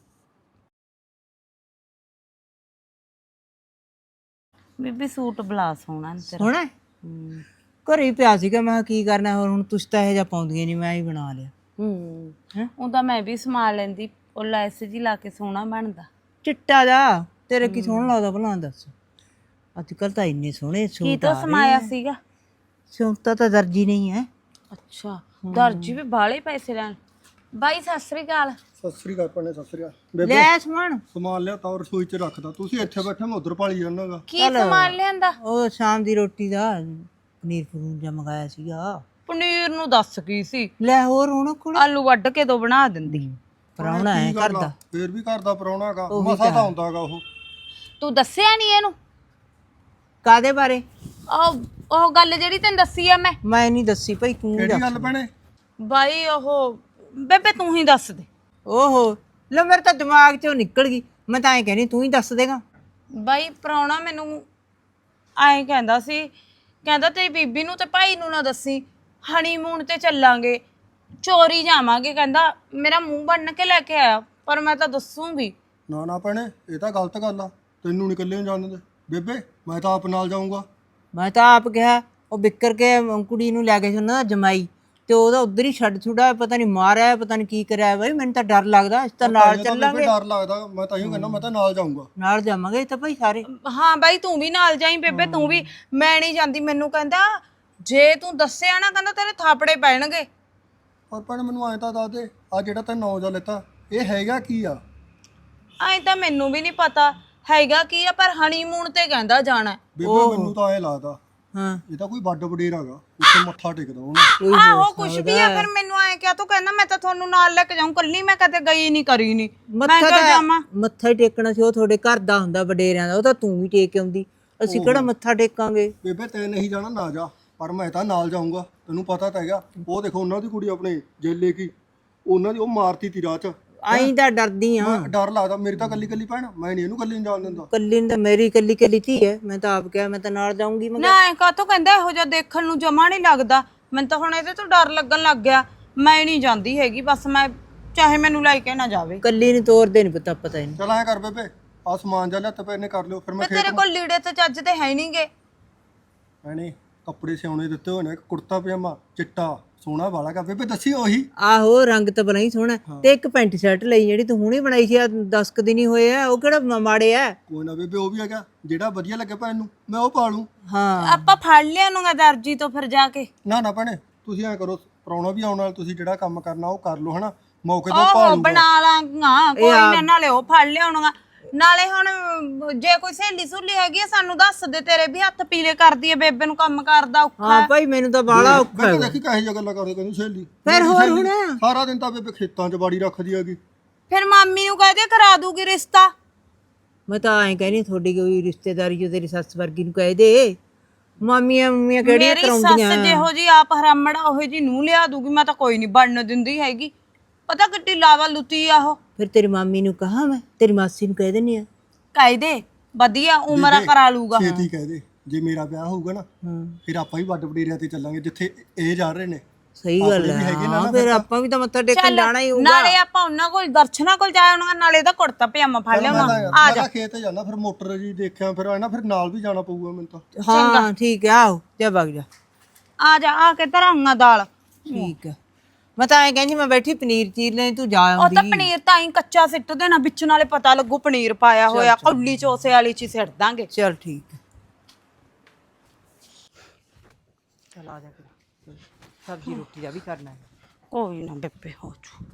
B: ਬੀਬੀ ਸੂਟ ਬਲਾ ਸੋਹਣਾ ਨੀ ਤੇਰਾ।
C: ਸੋਹਣਾ ਘਰੇ ਹੀ ਪਿਆ ਸੀਗਾ, ਮੈਂ ਕਿਹਾ ਕੀ ਕਰਨਾ ਹੋਰ, ਹੁਣ ਤੁਸੀਂ ਤਾਂ ਇਹੋ ਜਿਹਾ ਪਾਉਂਦੀਆਂ ਨਹੀਂ, ਮੈਂ ਹੀ ਬਣਾ ਲਿਆ।
B: ਹੂੰ ਉਹ ਤਾਂ ਮੈਂ ਵੀ ਸਮਾ ਲੈਂਦੀ, ਉਹ ਲੈਸ ਜੀ ਲਾ ਕੇ ਸੋਹਣਾ ਬਣਦਾ।
C: ਚਿੱਟਾ ਜਾ ਤੇਰੇ ਕੀ ਸੋਹਣਾ ਲੱਗਦਾ ਭਲਾ ਦੱਸ? ਅੱਜ ਕੱਲ ਤਾਂ ਇੰਨੇ ਸੋਹਣੇ
B: ਕੀ
C: ਸੂਟ
B: ਤੋਂ
C: ਆ ਰਹੇ
B: ਸਮਾਇਆ
C: ਆ।
B: ਸੀਗਾ?
C: ਸਿਉਂਤਾ ਤਾਂ ਦਰਜੀ ਨਹੀਂ ਹੈ।
B: ਅੱਛਾ ਦਰਜੀ ਵੀ ਬਾਹਲੇ ਪੈਸੇ ਲੈਣ। ਬਾਈ ਸਤਿ ਸ੍ਰੀ ਅਕਾਲ।
D: ਸਤਿ ਸ੍ਰੀ ਅਕਾਲ ਭੈਣੇ, ਸਤਿ ਸ੍ਰੀ ਅਕਾਲ। ਬੇਬੇ
C: ਲੈ ਸਮਾਨ,
D: ਸਮਾਨ ਲਿਆ ਤਾਂ ਰਸੋਈ 'ਚ ਰੱਖਦਾ, ਤੁਸੀਂ ਇੱਥੇ ਬੈਠੇ ਮੈਂ ਉਧਰ ਭਾਲੀ ਜਾਣਾਗਾ।
B: ਕੀ ਸਮਾਨ ਲਿਆਂਦਾ?
C: ਉਹ ਸ਼ਾਮ ਦੀ ਰੋਟੀ ਦਾ ਪਨੀਰ ਪਨੂਰ ਜਿਹਾ ਮੰਗਾਇਆ ਸੀਗਾ।
B: ਪਨੀਰ ਨੂੰ ਦੱਸ ਕੀ ਸੀ,
C: ਲੈ ਹੋਰ ਹੁਣ ਕੋਲ
B: ਆਲੂ ਵੱਢ ਕੇ ਦੋ ਬਣਾ ਦਿੰਦੀ।
C: ਪ੍ਰਾਹੁਣਾ ਹੈ ਕਰਦਾ,
D: ਫੇਰ ਵੀ ਕਰਦਾ ਪ੍ਰਾਹੁਣਾਗਾ, ਮਸਾ ਤਾਂ ਆਉਂਦਾਗਾ ਉਹ।
B: ਤੂੰ ਦੱਸਿਆ ਨਹੀਂ ਇਹਨੂੰ?
C: ਕਾਦੇ ਬਾਰੇ?
B: ਉਹ ਉਹ ਗੱਲ ਜਿਹੜੀ ਤੈਨੂੰ ਦੱਸੀ ਆ ਮੈਂ।
C: ਮੈਂ ਨਹੀਂ ਦੱਸੀ ਭਾਈ, ਤੂੰ
D: ਕਿਹੜੀ ਗੱਲ ਭੈਣੇ?
B: ਬਾਈ ਉਹ ਬੇਬੇ ਤੂੰ ਹੀ ਦੱਸ ਦੇ।
C: ਓਹੋ ਲੈ, ਮੇਰੇ ਤਾਂ ਦਿਮਾਗ ਚੋਂ ਨਿਕਲ ਗਈ, ਮੈਂ ਤਾਂ ਐਂ ਕਹਿੰਦੀ ਤੂੰ ਹੀ ਦੱਸ ਦੇਗਾ।
B: ਬਾਈ ਪ੍ਰਾਹੁਣਾ ਮੈਨੂੰ ਐਂ ਕਹਿੰਦਾ ਸੀ, ਕਹਿੰਦਾ ਤੇਰੀ ਬੀਬੀ ਨੂੰ ਤੇ ਭਾਈ ਨੂੰ ਨਾ ਦੱਸੀ, ਹਨੀਮੂਨ ਤੇ ਚੱਲਾਂਗੇ, ਚੋਰੀ ਜਾਵਾਂਗੇ, ਕਹਿੰਦਾ ਮੇਰਾ ਮੂੰਹ ਬੰਨ ਕੇ ਲੈ ਕੇ ਆਇਆ, ਪਰ ਮੈਂ ਤਾਂ ਦੱਸੂਗੀ।
D: ਨਾ ਨਾ ਭੈਣੇ ਇਹ ਤਾਂ ਗਲਤ ਗੱਲ ਆ, ਤੈਨੂੰ ਨਿਕਲਿਆ ਜਾਣ ਦੇ ਬੇਬੇ, ਮੈਂ ਤਾਂ ਆਪ ਨਾਲ ਜਾਊਂਗਾ।
C: ਮੈਂ ਤਾਂ ਆਪ ਕਿਹਾ, ਉਹ ਵਿਕਰ ਕੇ ਕੁੜੀ ਨੂੰ ਲੈ ਗਏ ਸੀ ਉਹਨਾਂ ਦਾ ਜਮਾਈ, ਤੇ ਉਹਦਾ ਉਧਰ ਹੀ ਛੱਡ ਛੁੜਾ, ਪਤਾ ਨਹੀਂ ਮਾਰਿਆ ਪਤਾ ਨਹੀਂ ਕੀ ਕਰਿਆ। ਬਈ ਮੈਨੂੰ ਤਾਂ ਡਰ ਲੱਗਦਾ, ਅਸੀਂ ਤਾਂ ਨਾਲ ਚੱਲਾਂਗੇ।
D: ਡਰ ਲੱਗਦਾ, ਮੈਂ ਤਾਂ ਇਹੋ ਕਹਿੰਦਾ ਮੈਂ ਤਾਂ ਨਾਲ ਜਾਊਂਗਾ।
C: ਨਾਲ ਜਾਵਾਂਗੇ ਤਾਂ ਭਾਈ ਸਾਰੇ।
B: ਹਾਂ ਬਾਈ ਤੂੰ ਵੀ ਨਾਲ ਜਾਈਂ ਬੇਬੇ, ਤੂੰ ਵੀ। ਮੈਂ ਨਹੀਂ ਜਾਂਦੀ, ਮੈਨੂੰ ਕਹਿੰਦਾ ਜੇ ਤੂੰ ਦੱਸਿਆ ਨਾ ਕਹਿੰਦਾ ਤੇਰੇ ਥਾਪੜੇ ਪੈਣਗੇ।
D: ਪਰ ਭੈਣੇ ਮੈਨੂੰ ਐਂ ਤਾਂ ਦੱਸ ਦੇ, ਆ ਜਿਹੜਾ ਤੈਂ ਨੌ ਜਾ ਲੈਤਾ ਇਹ ਹੈਗਾ ਕੀ ਆ?
B: ਐਂ ਤਾਂ ਮੈਨੂੰ ਵੀ ਨਹੀਂ ਪਤਾ ਹੈਗਾ ਕੀ ਆ, ਪਰ ਹਨੀਮੂਨ ਤੇ ਕਹਿੰਦਾ ਜਾਣਾ।
D: ਬੇਬੇ ਮੈਨੂੰ ਤਾਂ ਐਂ ਲੱਗਦਾ
C: ਹਾਂ
D: ਇਹ ਤਾਂ ਕੋਈ ਵੱਡ ਵਡੇਰ ਹੈਗਾ, ਉੱਥੇ ਮੱਥਾ ਟੇਕਦਾ ਉਹਨੇ।
B: ਆਹੋ ਕੁਛ ਵੀ ਆ, ਫਿਰ ਮੈਨੂੰ ਐਂ ਕਿਹਾ ਤੂੰ ਕਹਿੰਦਾ ਮੈਂ ਤਾਂ ਤੁਹਾਨੂੰ ਨਾਲ ਲੈ ਕੇ ਜਾਊਂ, ਕੱਲੀ ਮੈਂ ਕਦੇ ਗਈ ਨਹੀਂ ਕਰੀ ਨਹੀਂ, ਮੈਂ
C: ਮੱਥਾ
B: ਕਿਉਂ
C: ਤਾਂ
B: ਜਾਵਾਂ?
C: ਮੱਥਾ ਹੀ ਟੇਕਣਾ ਸੀ, ਉਹ ਤੁਹਾਡੇ ਘਰ ਦਾ ਹੁੰਦਾ ਵਡੇਰਿਆਂ ਦਾ, ਉਹ ਤਾਂ ਤੂੰ ਵੀ ਟੇਕ ਆਉਂਦੀ, ਅਸੀਂ ਕਿਹੜਾ ਮੱਥਾ ਟੇਕਾਂਗੇ।
D: ਬੇਬੇ ਤੈਂ ਨਹੀਂ ਜਾਣਾ ਨਾ ਜਾ, ਪਰ ਮੈਂ ਤਾਂ ਨਾਲ ਜਾਊਂਗਾ, ਤੈਨੂੰ ਪਤਾ ਤਾਂ ਹੈਗਾ। ਉਹ ਦੇਖੋ ਉਹਨਾਂ ਦੀ ਕੁੜੀ ਆਪਣੇ ਜੇਲੇ ਕੀ, ਉਹਨਾਂ ਦੀ ਉਹ ਮਾਰਤੀ ਤੀ ਰਾਤ ਚ।
C: ਆਈਂ ਤਾਂ ਡਰਦੀ ਆ,
D: ਮੈਂ ਡਰ ਲੱਗਦਾ, ਮੇਰੀ ਤਾਂ ਕੱਲੀ ਕੱਲੀ ਭੈਣ, ਮੈਂ ਨਹੀਂ ਇਹਨੂੰ ਕੱਲੀ ਨਹੀਂ ਜਾਣ ਦਿੰਦਾ।
C: ਕੱਲੀ ਨੂੰ ਤਾਂ ਮੇਰੀ ਕੱਲੀ ਕੱਲੀ ਧੀ ਹੈ, ਮੈਂ ਤਾਂ ਆਪ ਕਿਹਾ ਮੈਂ ਤਾਂ ਨਾਲ ਜਾਊਂਗੀ। ਮੈਂ
B: ਨਾ ਐ ਕਾਹਤੋਂ ਕਹਿੰਦਾ, ਇਹੋ ਜਿਹਾ ਦੇਖਣ ਨੂੰ ਜਮਾ ਨਹੀਂ ਲੱਗਦਾ। ਮੈਨੂੰ ਤਾਂ ਹੁਣ ਇਹਦੇ ਤੋਂ ਡਰ ਲੱਗਣ ਲੱਗ ਗਿਆ, ਮੈਂ ਨਹੀਂ ਜਾਂਦੀ ਹੈਗੀ, ਬਸ ਮੈਂ ਚਾਹੇ ਮੈਨੂੰ ਲੈ ਕੇ ਨਾ ਜਾਵੇ।
C: ਕੱਲੀ ਨੂੰ ਤੋਰਦੇ ਨਹੀਂ ਪਤਾ ਪਤਾ ਨਹੀਂ।
D: ਚਲ ਐਂ ਕਰ ਬੇਬੇ, ਆ ਸਮਾਨ ਜਾ ਲਿਆ ਪੈ ਨੇ ਕਰ ਲਿਓ, ਫਿਰ ਮੈਂ
B: ਤੇ ਤੇਰੇ ਕੋਲ ਲੀੜੇ ਤੇ ਚੱਜ ਤੇ ਹੈ ਨਹੀਂਗੇ।
D: ਭੈਣੇ ਕੱਪੜੇ ਸਿਉਣੇ ਦਿੱਤੇ ਹੋਏ ਨੇ, ਇੱਕ ਕੁੜਤਾ ਪਜਾਮਾ ਚਿੱਟਾ ਸੋਹਣਾ ਵਾਲਾ ਕਾ। ਬੇਬੇ ਦੱਸੀ ਉਹੀ
C: ਆਹੋ ਰੰਗ ਤਾਂ ਬਣਾ ਹੀ ਸੋਹਣਾ, ਤੇ ਇੱਕ ਪੈਂਟ ਸ਼ਰਟ ਲਈ ਜਿਹੜੀ ਤੂੰ ਹੁਣੇ ਬਣਾਈ ਸੀ, ਆ ਦਸ ਕੁ ਦਿਨ ਹੀ ਹੋਏ ਆ, ਉਹ ਕਿਹੜਾ ਮ- ਮਾੜੇ ਆ।
D: ਕੋਈ ਨਾ ਬੇਬੇ, ਉਹ ਵੀ ਹੈਗਾ ਜਿਹੜਾ ਵਧੀਆ ਲੱਗੇ ਭੈਣ ਨੂੰ ਮੈਂ ਉਹ ਪਾ ਲੂੰ।
C: ਹਾਂ
B: ਆਪਾਂ ਫੜ ਲਿਆ ਨੂੰ ਦਰਜੀ ਤੋਂ ਫਿਰ ਜਾ ਕੇ।
D: ਨਾ ਨਾ ਭੈਣੇ ਤੁਸੀਂ ਐਂ ਕਰੋ, ਪ੍ਰਾਹੁਣਾ ਵੀ ਆਉਣ ਨਾਲ, ਤੁਸੀਂ ਜਿਹੜਾ ਕੰਮ ਕਰਨਾ ਉਹ ਕਰ ਲਓ ਹਨਾ, ਮੌਕੇ ਤੇ ਪਾ
B: ਉਹ
D: ਲੂੰਗਾ।
B: ਬਣਾ ਲਾਂਗਾ ਕੋਈ ਨਾ, ਨਾਲੇ ਉਹ ਫੜ ਲਿਆਉਣਗਾ। ਨਾਲੇ ਹੁਣ ਜੇ ਕੋਈ ਸਹੇਲੀ ਸੁਹਲੀ ਹੈਗੀ ਆ ਸਾਨੂੰ ਦੱਸ ਦੇ, ਤੇਰੇ ਵੀ ਹੱਥ ਪੀਲੇ ਕਰਦੀ ਏ, ਬੇਬੇ ਨੂੰ ਕੰਮ ਕਰਦਾ ਔਖਾ।
C: ਹਾਂ ਭਾਈ ਮੈਨੂੰ ਤਾਂ ਬਾਲਾ ਔਖਾ
D: ਬੇਬੇ
C: ਹੈ।
D: ਦੇਖੀ ਕਹੇ ਜਿਹਾ ਗੱਲਾਂ ਕਰਦੇ, ਕਹਿੰਦੀ ਸਹੇਲੀ।
C: ਫਿਰ ਹੋਰ ਹੁਣ
D: ਸਾਰਾ ਦਿਨ ਤਾਂ ਬੇਬੇ ਖੇਤਾਂ 'ਚ ਬਾੜੀ ਰੱਖਦੀ ਹੈਗੀ।
B: ਫਿਰ ਮਾਮੀ ਨੂੰ ਕਹਦੇ ਕਰਾ ਦੂਗੀ ਰਿਸ਼ਤਾ।
C: ਮੈਂ ਤਾਂ ਐਂ ਕਹਿੰਦੀ ਤੁਹਾਡੀ ਕੋਈ ਰਿਸ਼ਤੇਦਾਰੀ ਜੋ ਤੇਰੀ ਸੱਸ ਵਰਗੀ ਨੂੰ ਕਹਿ ਦੇ, ਮਾਮੀਆਂ ਮੰਮੀਆਂ ਕਿਹੜੀਆਂ
B: ਮੇਰੀ
C: ਕਰਾਉਂਦੀਆਂ।
B: ਸੱਸ ਜਿਹੋ ਜੀ ਆਪ ਹਰਾਮੜਾ ਉਹੋ ਜੀ ਨੂੰ ਲਿਆ ਦੂਗੀ, ਮੈਂ ਤਾਂ ਕੋਈ ਨਹੀਂ ਬਣਨ ਦਿੰਦੀ ਹੈਗੀ। ਪਤਾ ਕਿੱਡੀ ਲਾਵਾ ਲੁੱਤੀ ਆ ਉਹ।
C: ਫਿਰ ਤੇਰੀ ਮਾਮੀ ਨੂੰ ਕਹਾ, ਮੈਂ ਤੇਰੀ ਮਾਸੀ ਨੂੰ ਕਹਿ ਦਿੰਨੀ ਆ।
B: ਕਾਇਦੇ ਵਧੀਆ ਉਮਰਾ ਕਰਾ ਲੂਗਾ।
D: ਛੇਤੀ ਕਹਿ ਦੇ, ਜੇ ਮੇਰਾ ਵਿਆਹ ਹੋਊਗਾ ਨਾ
C: ਹਾਂ
D: ਫਿਰ ਆਪਾਂ ਵੀ ਵੱਡ ਵਡੇਰਿਆਂ ਤੇ ਚੱਲਾਂਗੇ ਜਿੱਥੇ ਇਹ ਜਾ ਰਹੇ ਨੇ।
C: ਸਹੀ ਗੱਲ
D: ਆਪਣੇ ਵੀ
C: ਹੈ,
D: ਹੈਗੇ ਨਾ
C: ਹਾਂ
D: ਨਾ
C: ਫਿਰ ਆਪਾਂ ਵੀ ਤਾਂ ਮੱਥਾ ਟੇਕਣ ਜਾਣਾ ਹੀ ਹੋਊਗਾ।
B: ਨਾਲੇ ਆਪਾਂ ਉਹਨਾਂ ਕੋਲ ਦਰਸ਼ਨਾਂ ਕੋਲ ਜਾ ਆਉਣਾ, ਨਾਲੇ ਦਾ ਕੁੜਤਾ ਪਜਾਮਾ ਫੜ ਲਿਆਉਣਾ।
D: ਆ ਜਾ ਖੇਤ ਜਾਣਾ, ਫਿਰ ਮੋਟਰ ਜੀ ਦੇਖਿਆ, ਫਿਰ ਆਣਾ ਫਿਰ ਨਾਲ ਵੀ ਜਾਣਾ ਪਊਗਾ ਮੈਨੂੰ ਤਾਂ।
C: ਹਾਂ ਠੀਕ ਹੈ, ਆਓ ਜਾ ਵਗ ਜਾ।
B: ਆ ਜਾ ਆ ਕੇ ਧਰਾਂਗਾ ਦਾਲ।
C: ਠੀਕ ਹੈ, ਮੈਂ ਤਾਂ ਐਂ ਕਹਿੰਦੀ ਮੈਂ ਬੈਠੀ ਪਨੀਰ ਚੀਰ ਲੈ, ਤੂੰ ਜਾ
B: ਉਹ
C: ਆਉਂਦੀ।
B: ਤਾਂ ਪਨੀਰ ਤਾਂ ਹੀ ਕੱਚਾ ਸਿੱਟ ਦੇਣਾ, ਵਿੱਚ ਨਾਲੇ ਪਤਾ ਲੱਗੂ ਪਨੀਰ ਪਾਇਆ ਹੋਇਆ। ਕੌਲੀ ਚੋਸੇ ਵਾਲੀ ਚ ਹੀ ਸਿੱਟ ਦਾਂਗੇ।
C: ਚਲ ਠੀਕ ਹੈ, ਚਲ ਆ ਜਾ ਫਿਰ, ਸਬਜ਼ੀ ਰੋਟੀ ਦਾ ਵੀ ਕਰਨਾ ਹੈ।
B: ਕੋਈ ਨਾ ਬੇਬੇ ਹੋ ਜੂ।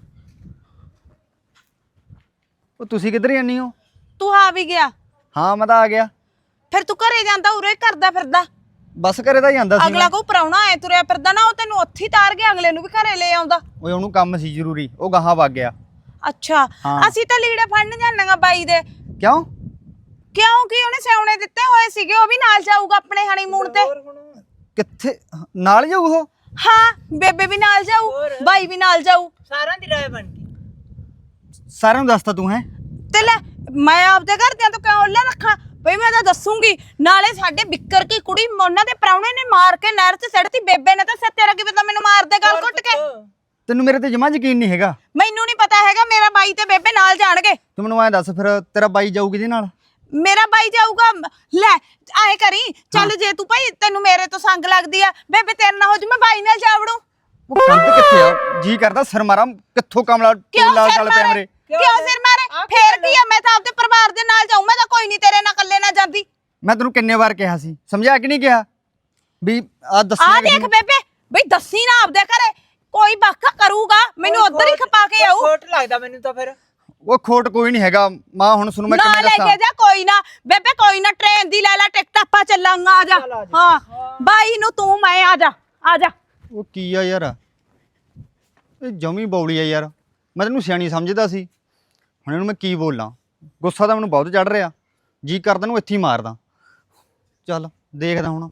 A: ਉਹ ਤੁਸੀਂ ਕਿੱਧਰ ਜਾਂਦੀ ਹੋ?
B: ਤੂੰ ਆ ਵੀ ਗਿਆ?
A: ਹਾਂ ਮੈਂ ਤਾਂ ਆ ਗਿਆ।
B: ਫਿਰ ਤੂੰ ਘਰੇ ਜਾਂਦਾ, ਉਰੇ ਕਰਦਾ ਫਿਰਦਾ।
A: ਬਸ ਘਰੇ ਤਾਂ ਜਾਂਦਾ ਸੀ
B: ਅਗਲਾ ਕੋ ਪ੍ਰਾਹੁਣਾ ਐ ਤੁਰਿਆ ਫਿਰਦਾ ਨਾ, ਉਹ ਤੈਨੂੰ ਉੱਥੇ ਹੀ ਤਾਰ ਕੇ ਅਗਲੇ ਨੂੰ ਵੀ ਘਰੇ ਲੈ ਆਉਂਦਾ।
A: ਓਏ ਉਹਨੂੰ ਕੰਮ ਸੀ ਜ਼ਰੂਰੀ, ਉਹ ਗਾਹਾਂ ਵਗ ਗਿਆ।
B: ਅੱਛਾ
A: ਹਾਂ।
B: ਅਸੀਂ ਤਾਂ ਲੀੜੇ ਫੜਨ ਜਾਣਾਂਗਾ ਬਾਈ ਦੇ।
A: ਕਿਉਂ?
B: ਕਿਉਂਕਿ ਉਹਨੇ ਸਿਉਣੇ ਦਿੱਤੇ ਹੋਏ ਸੀਗੇ, ਉਹ ਵੀ ਨਾਲ ਜਾਊਗਾ ਆਪਣੇ ਹਨੀਮੂਨ ਤੇ।
A: ਕਿੱਥੇ ਨਾਲ ਜਾਊ ਉਹ?
B: ਹਾਂ ਬੇਬੇ ਵੀ ਨਾਲ ਜਾਊ, ਬਾਈ ਵੀ ਨਾਲ ਜਾਊ।
C: ਸਾਰਿਆਂ ਦੀ ਰਾਏ ਬਣ ਗਈ।
A: ਸਾਰਿਆਂ ਨੂੰ ਦੱਸਤਾ ਤੂੰ ਹੈ?
B: ਤੇ ਲੈ ਮੈਂ ਆਪਦੇ ਘਰਦਿਆਂ ਤੋਂ ਕਿਉਂ ਲੈ ਰੱਖਾਂ ਬਈ, ਮੈਂ ਤਾਂ ਦੱਸੂਗੀ। ਨਾਲੇ ਸਾਡੇ ਬਿੱਕਰ ਕੀ ਕੁੜੀ ਉਹਨਾਂ ਦੇ ਪ੍ਰਾਹੁਣੇ ਨੇ ਮਾਰ ਕੇ ਨਹਿਰ 'ਚ ਸਿੱਟਤੀ, ਬੇਬੇ ਨੇ ਤਾਂ ਸਿਰ ਤੇਰਾ ਕੀ ਪਤਾ ਮੈਨੂੰ ਮਾਰ ਦੇ ਗਲ ਘੁੱਟ ਕੇ।
A: ਤੈਨੂੰ ਮੇਰੇ ਤੇ ਜਮਾਂ ਯਕੀਨ ਨਹੀਂ ਹੈਗਾ?
B: ਮੈਨੂੰ ਨਹੀਂ ਪਤਾ ਹੈਗਾ, ਮੇਰਾ ਬਾਈ ਤੇ ਬੇਬੇ ਨਾਲ ਜਾਣਗੇ।
A: ਤੂੰ ਮੈਨੂੰ ਐਂ ਦੱਸ ਫਿਰ, ਤੇਰਾ ਬਾਈ ਜਾਊ ਕਿਹਦੇ ਨਾਲ?
B: ਮੇਰਾ ਬਾਈ ਜਾਊਗਾ। ਲੈ ਆਏ ਕਰੀ ਚੱਲ, ਜੇ ਤੂੰ ਭਾਈ ਤੈਨੂੰ ਮੇਰੇ ਤੋਂ ਸੰਗ ਲੱਗਦੀ ਆ, ਬੇਬੇ ਤੇਰੇ ਨਾਲ ਹੋ ਜੂ, ਮੈਂ ਬਾਈ ਨਾਲ ਜਾ ਵੜੂ।
A: ਉਹ ਕੰਧ ਕਿੱਥੇ ਆ? ਜੀ ਕਰਦਾ ਸਿਰ ਮਾਰਾਂ, ਕਿੱਥੋਂ ਕਮਲਾ
B: ਕਿਉਂ
A: ਲਾਲ
B: ਸਿਰ
A: ਚੱਲ ਪਿਆ
B: ਮਾਰੇ?
A: ਮੇਰੇ।
B: ਕਿਉਂ ਸਿਰ ਮਾਰੇ? ਫੇਰ ਕੀ ਆ, ਮੈਂ ਤਾਂ ਆਪਦੇ ਪਰਿਵਾਰ ਦੇ ਨਾਲ ਜਾਊ, ਮੈਂ ਤਾਂ ਕੋਈ ਨਹੀਂ ਤੇਰੇ ਨਾਲ ਇਕੱਲੇ ਨਾ ਜਾਂਦੀ।
A: ਮੈਂ ਤੈਨੂੰ ਕਿੰਨੇ ਵਾਰ ਕਿਹਾ ਸੀ, ਸਮਝਿਆ ਕਿ ਨਹੀਂ ਕਿਹਾ ਵੀ ਆ ਦੱਸੀ
B: ਆ ਦੇਖ ਬੇਬੇ, ਬਈ ਦੱਸੀ ਨਾ ਆਪਦੇ ਘਰੇ, ਕੋਈ ਬਾਕਾ ਕਰੂਗਾ ਮੈਨੂੰ ਉਧਰ ਹੀ ਖਪਾ ਕੇ ਆਊ।
C: ਖੋਟ ਲੱਗਦਾ ਮੈਨੂੰ ਤਾਂ ਫਿਰ।
A: ਉਹ ਖੋਟ ਕੋਈ ਨਹੀਂ ਹੈਗਾ ਮਾਂ, ਹੁਣ ਸੁਣ ਮੈਂ
B: ਨਾ
A: ਕਿਵੇਂ
B: ਲੈ
A: ਦੱਸਾਂ।
B: ਕੇ ਜਾ, ਕੋਈ ਨਾ ਬੇਬੇ, ਕੋਈ ਨਾ ਟ੍ਰੇਨ ਦੀ ਲੈ ਲੈ ਟਿਕਟ, ਆਪਾਂ ਚੱਲਾਂਗਾ। ਆ ਜਾ। ਹਾਂ ਬਾਈ ਨੂੰ ਤੂੰ, ਮੈਂ ਆ ਜਾ ਆ ਜਾ।
A: ਉਹ ਕੀ ਆ ਯਾਰ, ਇਹ ਜਮੀ ਬੌਲੀ ਆ ਯਾਰ। ਮੈਂ ਤੈਨੂੰ ਸਿਆਣੀ ਸਮਝਦਾ ਸੀ, ਹੁਣ ਇਹਨੂੰ ਮੈਂ ਕੀ ਬੋਲਾਂ? ਗੁੱਸਾ ਤਾਂ ਮੈਨੂੰ ਬਹੁਤ ਚੜ ਰਿਹਾ, ਜੀ ਕਰਦਾ ਨੂੰ ਇੱਥੇ ਹੀ ਮਾਰਦਾ। ਚੱਲ ਦੇਖਦਾ ਹੁਣ।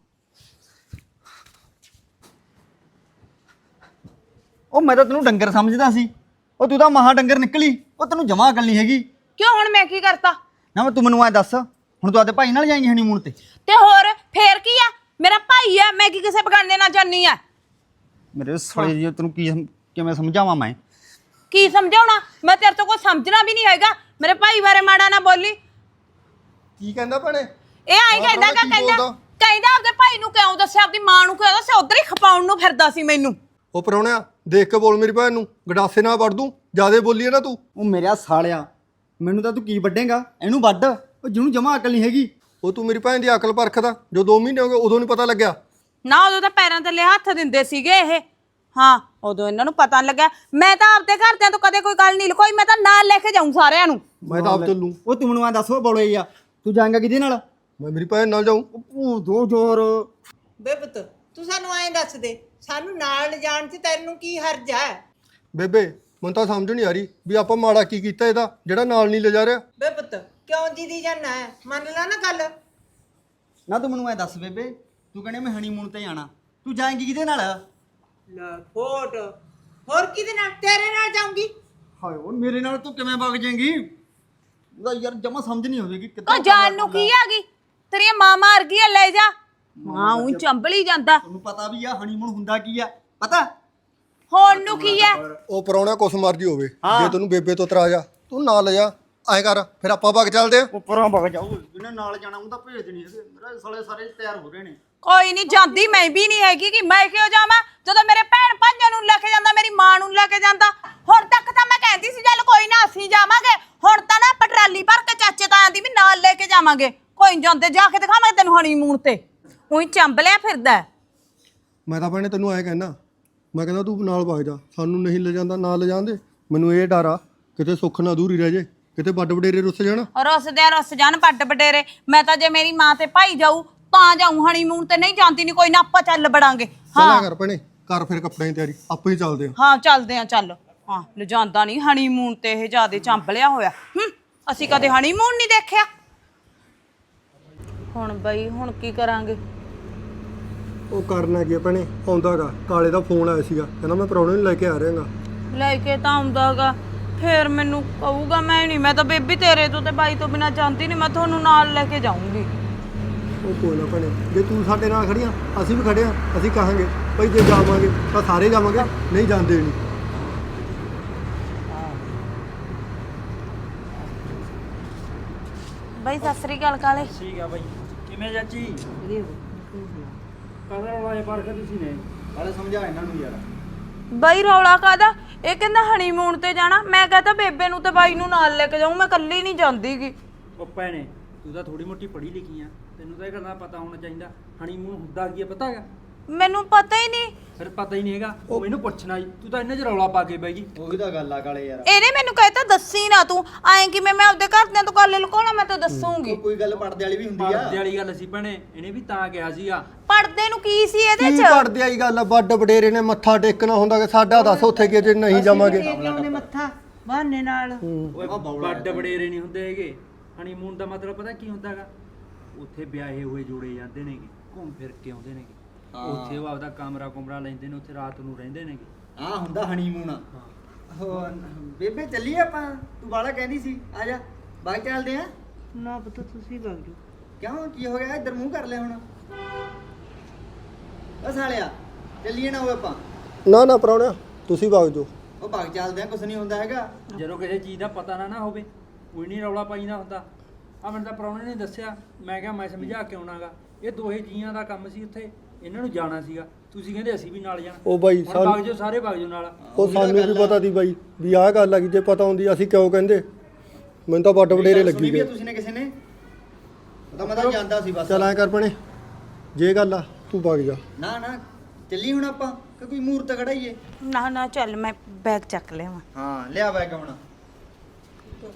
A: ਉਹ ਮੈਂ ਤਾਂ ਤੈਨੂੰ ਡੰਗਰ ਸਮਝਦਾ ਸੀ, ਉਹ ਤੂੰ ਤਾਂ ਮਹਾ ਡੰਗਰ ਨਿਕਲੀ। ਉਹ ਤੈਨੂੰ ਜਮਾ ਅਕਲ ਨਹੀਂ ਹੈਗੀ।
B: ਕਿਉਂ ਹੁਣ ਮੈਂ ਕੀ ਕਰਤਾ?
A: ਨਾ ਮੈਂ ਤੂੰ ਮੈਨੂੰ ਐ ਦੱਸ, ਹੁਣ ਤੂੰ ਆਦੇ ਭਾਈ ਨਾਲ ਜਾਏਂਗੀ ਹਨੀਮੂਨ ਤੇ?
B: ਤੇ ਹੋਰ ਫੇਰ ਕੀ ਆ, ਮੇਰਾ ਭਾਈ ਆ, ਮੈਂ ਕੀ ਕਿਸੇ ਬਗਾਨੇ ਨਾਲ ਜਾਨੀ ਆ?
A: ਮੇਰੇ ਸਾਲੇ ਜੀ, ਤੈਨੂੰ ਕੀ ਸਮ- ਕਿਵੇਂ ਸਮਝਾਵਾਂ ਮੈਂ?
B: ਕੀ ਸਮਝਾਉਣਾ, ਮੈਂ ਤੇਰੇ ਤੋਂ ਕੋਈ ਸਮਝਣਾ ਵੀ ਨਹੀਂ ਹੈਗਾ। ਮੇਰੇ ਭਾਈ ਬਾਰੇ ਮਾੜਾ ਨਾ ਬੋਲੀ।
D: ਕੀ ਕਹਿੰਦਾ ਭੈਣੇ?
B: ਇਹ ਆਈ ਕਹਿੰਦਾ
D: ਕੀ
B: ਕਹਿੰਦਾ
D: ਬੋਲਦਾ?
B: ਕਹਿੰਦਾ ਆਪਦੇ ਭਾਈ ਭਾਈ ਨੂੰ ਕਿਉਂ ਦੱਸਿਆ, ਆਪਦੀ ਮਾਂ ਨੂੰ ਕਿਉਂ ਦੱਸਿਆ? ਉਧਰ ਹੀ ਖਪਾਉਣ ਨੂੰ ਫਿਰਦਾ ਸੀ ਮੈਨੂੰ।
D: ਉਹ ਪ੍ਰਾਹੁਣਿਆ ਦੇਖ ਕੇ ਬੋਲ ਮੇਰੀ ਭੈਣ ਨੂੰ, ਗਡਾਸੇ ਨਾਲ ਵੜ ਦੂੰ, ਜਿਆਦੇ ਬੋਲੀ ਹੈ ਨਾ ਤੂੰ।
A: ਉਹ ਮੇਰਾ ਸਾਲਿਆ, ਮੈਨੂੰ ਤਾਂ ਤੂੰ ਕੀ ਵੱਡੇਂਗਾ? ਇਹਨੂੰ ਵੱਢ, ਉਹ ਜਿਹਨੂੰ ਜਮਾ ਅਕਲ ਨਹੀਂ ਹੈਗੀ।
D: ਉਹ ਤੂੰ ਮੇਰੀ ਭੈਣ ਦੀ ਅਕਲ ਪਰਖਦਾ, ਜੋ ਦੋ ਮਹੀਨੇ ਹੋ ਗਏ ਉਦੋਂ ਨਹੀਂ ਪਤਾ ਲੱਗਿਆ।
B: ਨਾ ਉਦੋਂ ਤਾਂ ਪੈਰਾਂ ਥੱਲੇ ਹੱਥ ਦਿੰਦੇ ਸੀਗੇ ਇਹ। ਹਾਂ ਉਦੋਂ ਇਹਨਾਂ ਨੂੰ ਪਤਾ ਨੀ ਲੱਗਿਆ। ਮੈਂ ਤਾਂ ਆਪਦੇ ਘਰਦਿਆਂ ਤੋਂ ਕਦੇ ਕੋਈ ਗੱਲ ਨਹੀਂ ਲੁਕੋਈ, ਮੈਂ ਤਾਂ ਨਾਲ ਲੈ ਕੇ ਜਾਊਂ ਸਾਰਿਆਂ ਨੂੰ।
D: ਮੈਂ ਤਾਂ ਆਪ ਚੱਲੂ।
A: ਉਹ ਤੂੰ ਮੈਨੂੰ ਆ ਦੱਸ, ਉਹ ਬੋਲੇ ਆ ਤੂੰ ਜਾਏਂਗਾ ਕਿਹਦੇ ਨਾਲ?
D: ਮੈਂ ਮੇਰੀ ਭੈਣ ਨਾਲ ਜਾਊਂ।
A: ਉਹ ਦੋ ਜ਼ੋਰ।
C: ਬੇ ਪੁੱਤ ਤੂੰ ਸਾਨੂੰ ਐਂ ਦੱਸ ਦੇ, ਸਾਨੂੰ ਨਾਲ ਲਿਜਾਣ 'ਚ ਤੈਨੂੰ ਕੀ ਹਰਜ ਹੈ?
D: ਬੇਬੇ ਮੈਨੂੰ ਤਾਂ ਸਮਝ ਨਹੀਂ ਆ ਰਹੀ ਵੀ ਆਪਾਂ ਮਾੜਾ ਕੀ ਕੀਤਾ ਇਹਦਾ ਜਿਹੜਾ ਨਾਲ ਨਹੀਂ ਲਿਜਾ ਰਿਹਾ।
C: ਬੇ ਪੁੱਤ ਕਿਉਂ ਦੀਦੀ ਜਾਨਾ ਹੈ? ਮੰਨ ਲੈ ਨਾ ਗੱਲ।
A: ਨਾ ਤੂੰ ਮੈਨੂੰ ਐ ਦੱਸ ਬੇਬੇ, ਤੂੰ ਕਹਿੰਦੇ ਮੈਂ ਹਨੀਮੂਨ ਤੇ ਜਾਣਾ, ਤੂੰ ਜਾਏਂਗੀ ਕਿਹਦੇ ਨਾਲ?
C: ਲੈ ਫੋਟ ਹੋਰ ਕਿਹਦੇ ਨਾਲ? ਤੇਰੇ ਨਾਲ ਜਾਊਂਗੀ।
A: ਹਾਏ ਉਹ ਮੇਰੇ ਨਾਲ ਤੂੰ ਕਿਵੇਂ ਵਗ ਜਾਏਂਗੀ? ਉਹਦਾ ਯਾਰ ਜਮਾ ਸਮਝ ਨਹੀਂ ਆਵੇਗੀ
B: ਕੋ ਜਾਨ ਨੂੰ ਕੀ ਆ ਗਈ? ਤੇਰੀ ਮਾਂ ਮਾਰ ਗਈ ਆ, ਲੈ ਜਾ। ਮਾਂ ਉਹ ਚੰਬਲੀ ਜਾਂਦਾ।
A: ਤੁਹਾਨੂੰ ਪਤਾ ਵੀ ਆ ਹਨੀਮੂਨ ਹੁੰਦਾ ਕੀ ਆ? ਪਤਾ
B: ਹੁਣ ਨੂੰ ਕੀ ਹੈ?
D: ਉਹ ਪ੍ਰਾਹੁਣਾ ਕੁਛ ਮਰਜੀ ਹੋਵੇ, ਜੇ ਤੈਨੂੰ ਬੇਬੇ ਤੋਂ ਤਰਾ ਜਾ ਤੂੰ ਨਾਲ ਲਿਜਾ, ਐਂ ਕਰ ਫਿਰ ਆਪਾਂ ਵਗ ਚੱਲਦੇ ਆ।
A: ਉੱਪਰੋਂ ਵਗ ਜਾਓ, ਜਿਹਨੇ ਨਾਲ ਜਾਣਾ ਉਹਦਾ ਭੇਜ ਨਹੀਂ ਹੈਗੇ। ਮੇਰੇ ਸਾਲੇ ਸਾਰੇ ਤਿਆਰ ਹੋ ਰਹੇ ਨੇ।
B: ਕੋਈ ਨਹੀਂ ਜਾਂਦੀ, ਮੈਂ ਵੀ ਨਹੀਂ ਹੈਗੀ ਕਿ ਮੈਂ ਕਿਉਂ ਜਾਵਾਂ ਜਦੋਂ ਮੇਰੇ ਭੈਣ ਭਾਈਆਂ ਨੂੰ ਲੈ ਕੇ ਜਾਂਦਾ, ਮੇਰੀ ਮਾਂ ਨੂੰ ਲੈ ਕੇ ਜਾਂਦਾ। ਹੁਣ ਤੱਕ ਤਾਂ ਮੈਂ ਕਹਿੰਦੀ ਸੀ ਚੱਲ ਕੋਈ ਨਾ ਅਸੀਂ ਜਾਵਾਂਗੇ, ਹੁਣ ਤਾਂ ਨਾ ਪਟਰਾਲੀ ਭਰ ਕੇ ਚਾਚੇ ਤਾਇਆਂ ਦੀ ਵੀ ਨਾਲ ਲੈ ਕੇ ਜਾਵਾਂਗੇ। ਕੋਈ ਨੀ ਜਾਂਦੇ, ਜਾ ਕੇ ਦਿਖਾਵਾਂਗੇ ਤੈਨੂੰ ਹਨੀਮੂਨ ਤੇ। ਉਹੀ ਚੰਬਲਿਆ ਫਿਰਦਾ।
D: ਮੈਂ ਤਾਂ ਭੈਣੇ ਤੈਨੂੰ ਐਂ ਕਹਿਣਾ, ਮੈਂ ਕਹਿੰਦਾ ਤੂੰ ਨਾਲ ਵਗ ਜਾ, ਸਾਨੂੰ ਨਹੀਂ ਲਿਜਾਂਦਾ ਨਾ ਲਿਜਾਂਦੇ। ਮੈਨੂੰ ਇਹ ਡਰ ਆ ਕਿਤੇ ਸੁੱਖ ਨਾ ਦੂਰੀ ਰਹਿ ਜੇ, ਕਿਤੇ ਵੱਡ ਵਡੇਰੇ ਰੁੱਸ ਜਾਣ।
B: ਰੁੱਸਦੇ ਰੁੱਸ ਜਾਣ ਪੱਟ ਬਟੇਰੇ। ਮੈਂ ਤਾਂ ਜੇ ਮੇਰੀ ਮਾਂ ਤੇ ਭਾਈ ਜਾਊ ਤਾਂ ਜਾਊ ਹਨੀਮੂਨ ਤੇ, ਨਹੀਂ ਜਾਂਦੀ ਨਹੀਂ। ਕੋਈ ਨਾ ਆਪਾਂ ਚੱਲ ਬੜਾਂਗੇ।
D: ਚੱਲਿਆ ਕਰ ਭੈਣੇ, ਕਰ ਫਿਰ ਕੱਪੜਿਆਂ ਦੀ ਤਿਆਰੀ, ਆਪੇ ਹੀ ਚੱਲਦੇ ਆ।
B: ਹਾਂ ਚੱਲਦੇ ਆ, ਚੱਲ। ਹਾਂ ਲਿਜਾਂਦਾ ਨਹੀਂ ਹਨੀਮੂਨ ਤੇ, ਇਹ ਜਿਆਦੇ ਚੰਬਲਿਆ ਹੋਇਆ। ਹੂੰ ਅਸੀਂ ਕਦੇ ਹਨੀਮੂਨ ਨਹੀਂ ਦੇਖਿਆ। ਹੁਣ ਬਈ ਹੁਣ ਕੀ ਕਰਾਂਗੇ?
D: ਉਹ ਕਰਨਾ ਕੀ ਆ ਭੈਣੇ, ਆਉਂਦਾਗਾ ਕਾਲੇ ਦਾ ਫੋਨ ਆਇਆ ਸੀਗਾ, ਕਹਿੰਦਾ ਮੈਂ ਪ੍ਰਾਹੁਣੇ ਨੂੰ ਲੈ ਕੇ ਆ ਰਿਹਾਗਾ।
B: ਲੈ ਕੇ ਤਾਂ ਆਉਂਦਾਗਾ, ਫੇਰ ਮੈਨੂੰ ਕਹੂਗਾ ਮੈਂ ਨਹੀਂ, ਮੈਂ ਤਾਂ ਬੇਬੀ ਤੇਰੇ ਤੋਂ ਤੇ ਬਾਈ ਤੋਂ ਬਿਨਾਂ ਜਾਂਦੀ ਨਹੀਂ, ਮੈਂ ਤੁਹਾਨੂੰ ਨਾਲ ਲੈ ਕੇ ਜਾਊਂਗੀ।
D: ਉਹ ਕੋਈ ਨਾ ਭੈਣੇ, ਜੇ ਤੂੰ ਸਾਡੇ ਨਾਲ ਖੜੀਆਂ ਅਸੀਂ ਵੀ ਖੜੇ ਆ, ਅਸੀਂ ਕਹਾਂਗੇ ਭਾਈ ਜੇ ਜਾਵਾਂਗੇ ਤਾਂ ਸਾਰੇ ਜਾਵਾਂਗੇ, ਨਹੀਂ ਜਾਂਦੇ ਨਹੀਂ।
B: ਬਾਈ ਸਤਿ ਸ੍ਰੀ ਅਕਾਲ ਕਾਲੇ।
E: ਠੀਕ ਆ ਬਾਈ। ਕਿਵੇਂ ਚਾਚੀ? ਕਦਰ ਵਾਲੇ ਪਰ ਕੇ ਤੁਸੀਂ ਨੇ
A: ਵਾਲੇ ਸਮਝਾ ਇਹਨਾਂ ਨੂੰ ਯਾਰ।
B: ਬਾਈ ਰੌਲਾ ਕਾਦਾ? ਇਹ ਕਹਿੰਦਾ ਹਨੀਮੂਨ ਤੇ ਜਾਣਾ, ਮੈਂ ਕਹਤਾ ਬੇਬੇ ਨੂੰ ਤੇ ਬਾਈ ਨੂੰ ਨਾਲ ਲੈ ਕੇ ਜਾਊਂ, ਮੈਂ ਇਕੱਲੀ ਨਹੀਂ ਜਾਂਦੀਗੀ।
E: ਉਹ ਭੈਣੇ ਤੂੰ ਤਾਂ ਥੋੜੀ ਮੋਟੀ ਪੜ੍ਹੀ ਲਿਖੀ ਆ, ਤੈਨੂੰ ਤਾਂ ਇਹ ਕਰਨਾ ਪਤਾ ਹੋਣਾ ਚਾਹੀਦਾ। ਹਨੀਮੂਨ ਹੁੰਦਾ ਕੀ ਆ ਪਤਾ ਹੈਗਾ?
B: ਮੈਨੂੰ ਪਤਾ ਹੀ ਨਹੀਂ।
E: ਫਿਰ ਪਤਾ ਹੀ ਨਹੀਂ ਹੈਗਾ, ਉਹ ਇਹਨੂੰ ਪੁੱਛਣਾ ਜੀ। ਤੂੰ ਤਾਂ ਇਹਨਾਂ 'ਚ ਰੌਲਾ ਪਾ ਕੇ ਬਹਿ ਗਈ।
A: ਉਹੀ ਤਾਂ ਗੱਲ ਆ ਕਾਲੇ ਯਾਰ।
B: ਇਹਨੇ ਮੈਨੂੰ ਕਹਿਤਾ ਦੱਸੀ ਨਾ ਤੂੰ, ਐਂ ਕਿਵੇਂ ਮੈਂ ਆਪਦੇ ਘਰਦਿਆਂ ਤੋਂ ਗੱਲ ਲੁਕਾਉਣਾ? ਮੈਂ ਤਾਂ ਦੱਸੂਗੀ।
A: ਕੋਈ ਗੱਲ ਪੜਦੇ ਵਾਲੀ ਵੀ ਹੁੰਦੀ ਆ।
E: ਪੜਦੇ ਵਾਲੀ ਗੱਲ ਸੀ ਭੈਣੇ, ਇਹਨੇ ਵੀ ਤਾਂ ਕਿਹਾ ਸੀਗਾ।
B: ਪੜਦੇ ਨੂੰ ਕੀ ਸੀ ਇਹਦੇ
D: ਕੀ
B: ਚ?
D: ਪੜਦੇ ਆਈ ਗੱਲ ਆ, ਵੱਡ ਵਡੇਰੇ ਨੇ ਮੱਥਾ ਟੇਕਣਾ ਹੁੰਦਾ ਕਿ ਸਾਡਾ ਦੱਸ ਉੱਥੇ ਕਿ ਜੇ ਨਹੀਂ ਜਾਵਾਂਗੇ।
C: ਉਹਨੇ ਮੱਥਾ ਬਹਾਨੇ ਨਾਲ।
E: ਓਏ ਵੱਡ ਵਡੇਰੇ ਨਹੀਂ ਹੁੰਦੇ ਹੈਗੇ। ਹਨੀਮੂਨ ਦਾ ਮਤਲਬ ਪਤਾ ਕੀ ਹੁੰਦਾ ਹੈਗਾ? ਉੱਥੇ ਵਿਆਹੇ ਹੋਏ ਜੋੜੇ ਜਾਂਦੇ ਨੇਗੇ, ਘੁੰਮ ਫਿਰ ਕੇ ਆਉਂਦੇ ਨੇਗੇ, ਉੱਥੇ ਉਹ ਆਪਦਾ ਕਮਰਾ ਕੁਮਰਾ ਲੈਂਦੇ ਨੇ, ਉੱਥੇ ਰਾਤ ਨੂੰ ਰਹਿੰਦੇ ਨੇਗੇ।
A: ਆ ਹੁੰਦਾ ਹਨੀਮੂਨ। ਹੋ ਬੇਬੇ ਚੱਲੀਏ ਆਪਾਂ, ਤੂੰ ਬਾਲਾ ਕਹਿੰਦੀ ਸੀ ਆ ਜਾ ਬਾਈ ਚੱਲਦੇ ਆ।
C: ਨਾ ਪੁੱਤ ਤੁਸੀਂ ਵਗ ਜਾਓ।
A: ਕਿਉਂ ਕੀ ਹੋ ਗਿਆ? ਇੱਧਰ ਮੂੰਹ ਕਰ ਲੈ ਹੁਣ। ਉਹ ਸਾਲਿਆ ਚੱਲੀਏ ਨਾ ਉਹ ਆਪਾਂ।
D: ਨਾ ਨਾ ਪ੍ਰਾਹੁਣਿਆ ਤੁਸੀਂ ਵਗ ਜਾਓ।
A: ਉਹ ਬਾਗ ਚੱਲਦੇ ਆ, ਕੁਛ ਨਹੀਂ ਹੁੰਦਾ ਹੈਗਾ।
E: ਜਦੋਂ ਕਿਸੇ ਚੀਜ਼ ਦਾ ਪਤਾ ਨਾ ਨਾ ਹੋਵੇ ਕੋਈ ਨਹੀਂ ਰੌਲਾ ਪਾਈਦਾ ਹੁੰਦਾ। ਆ ਮੈਨੂੰ ਤਾਂ ਪ੍ਰਾਹੁਣੇ ਨੇ ਦੱਸਿਆ, ਮੈਂ ਕਿਹਾ ਮੈਂ ਸਮਝਾ ਕੇ ਆਉਣਾਗਾ। ਇਹ ਦੋਹੇ ਜੀਆਂ ਦਾ ਕੰਮ ਸੀ, ਉੱਥੇ ਇਹਨਾਂ ਨੂੰ ਜਾਣਾ ਸੀਗਾ। ਤੁਸੀਂ ਕਹਿੰਦੇ ਅਸੀਂ ਵੀ ਨਾਲ ਜਾਣਾ।
D: ਉਹ ਬਾਈ
E: ਹੁਣ
D: ਸਾਨੂੰ
E: ਵਗ ਜਾਓ, ਸਾਰੇ ਵਗ ਜਾਓ ਨਾਲ।
D: ਉਹ ਸਾਨੂੰ ਵੀ ਪਤਾ ਸੀ ਬਾਈ ਵੀ ਆਹ ਗੱਲ ਆ, ਜੇ ਪਤਾ ਹੁੰਦੀ ਅਸੀਂ ਕਿਉਂ ਕਹਿੰਦੇ। ਮੈਨੂੰ ਤਾਂ ਵੱਡ ਵਡੇਰੇ ਲੱਗੀ ਗਏ।
A: ਤੁਸੀਂ ਨੇ ਕਿਸੇ ਨੇ ਪਤਾ, ਮੈਂ ਤਾਂ ਜਾਂਦਾ ਸੀ ਬਸ।
D: ਚੱਲ ਐਂ ਕਰ ਭੈਣੇ, ਜੇ ਗੱਲ ਆ ਤੂੰ ਵਗ ਜਾ।
A: ਨਾ ਨਾ ਚੱਲੀ ਹੁਣ ਆਪਾਂ ਕਿ ਕੋਈ ਮੂਰਤ ਖੜਾਈਏ।
B: ਨਾ ਨਾ ਚੱਲ, ਮੈਂ ਬੈਗ ਚੱਕ ਲਿਆਵਾਂ।
A: ਹਾਂ ਲਿਆ ਬੈਗ ਹੁਣ।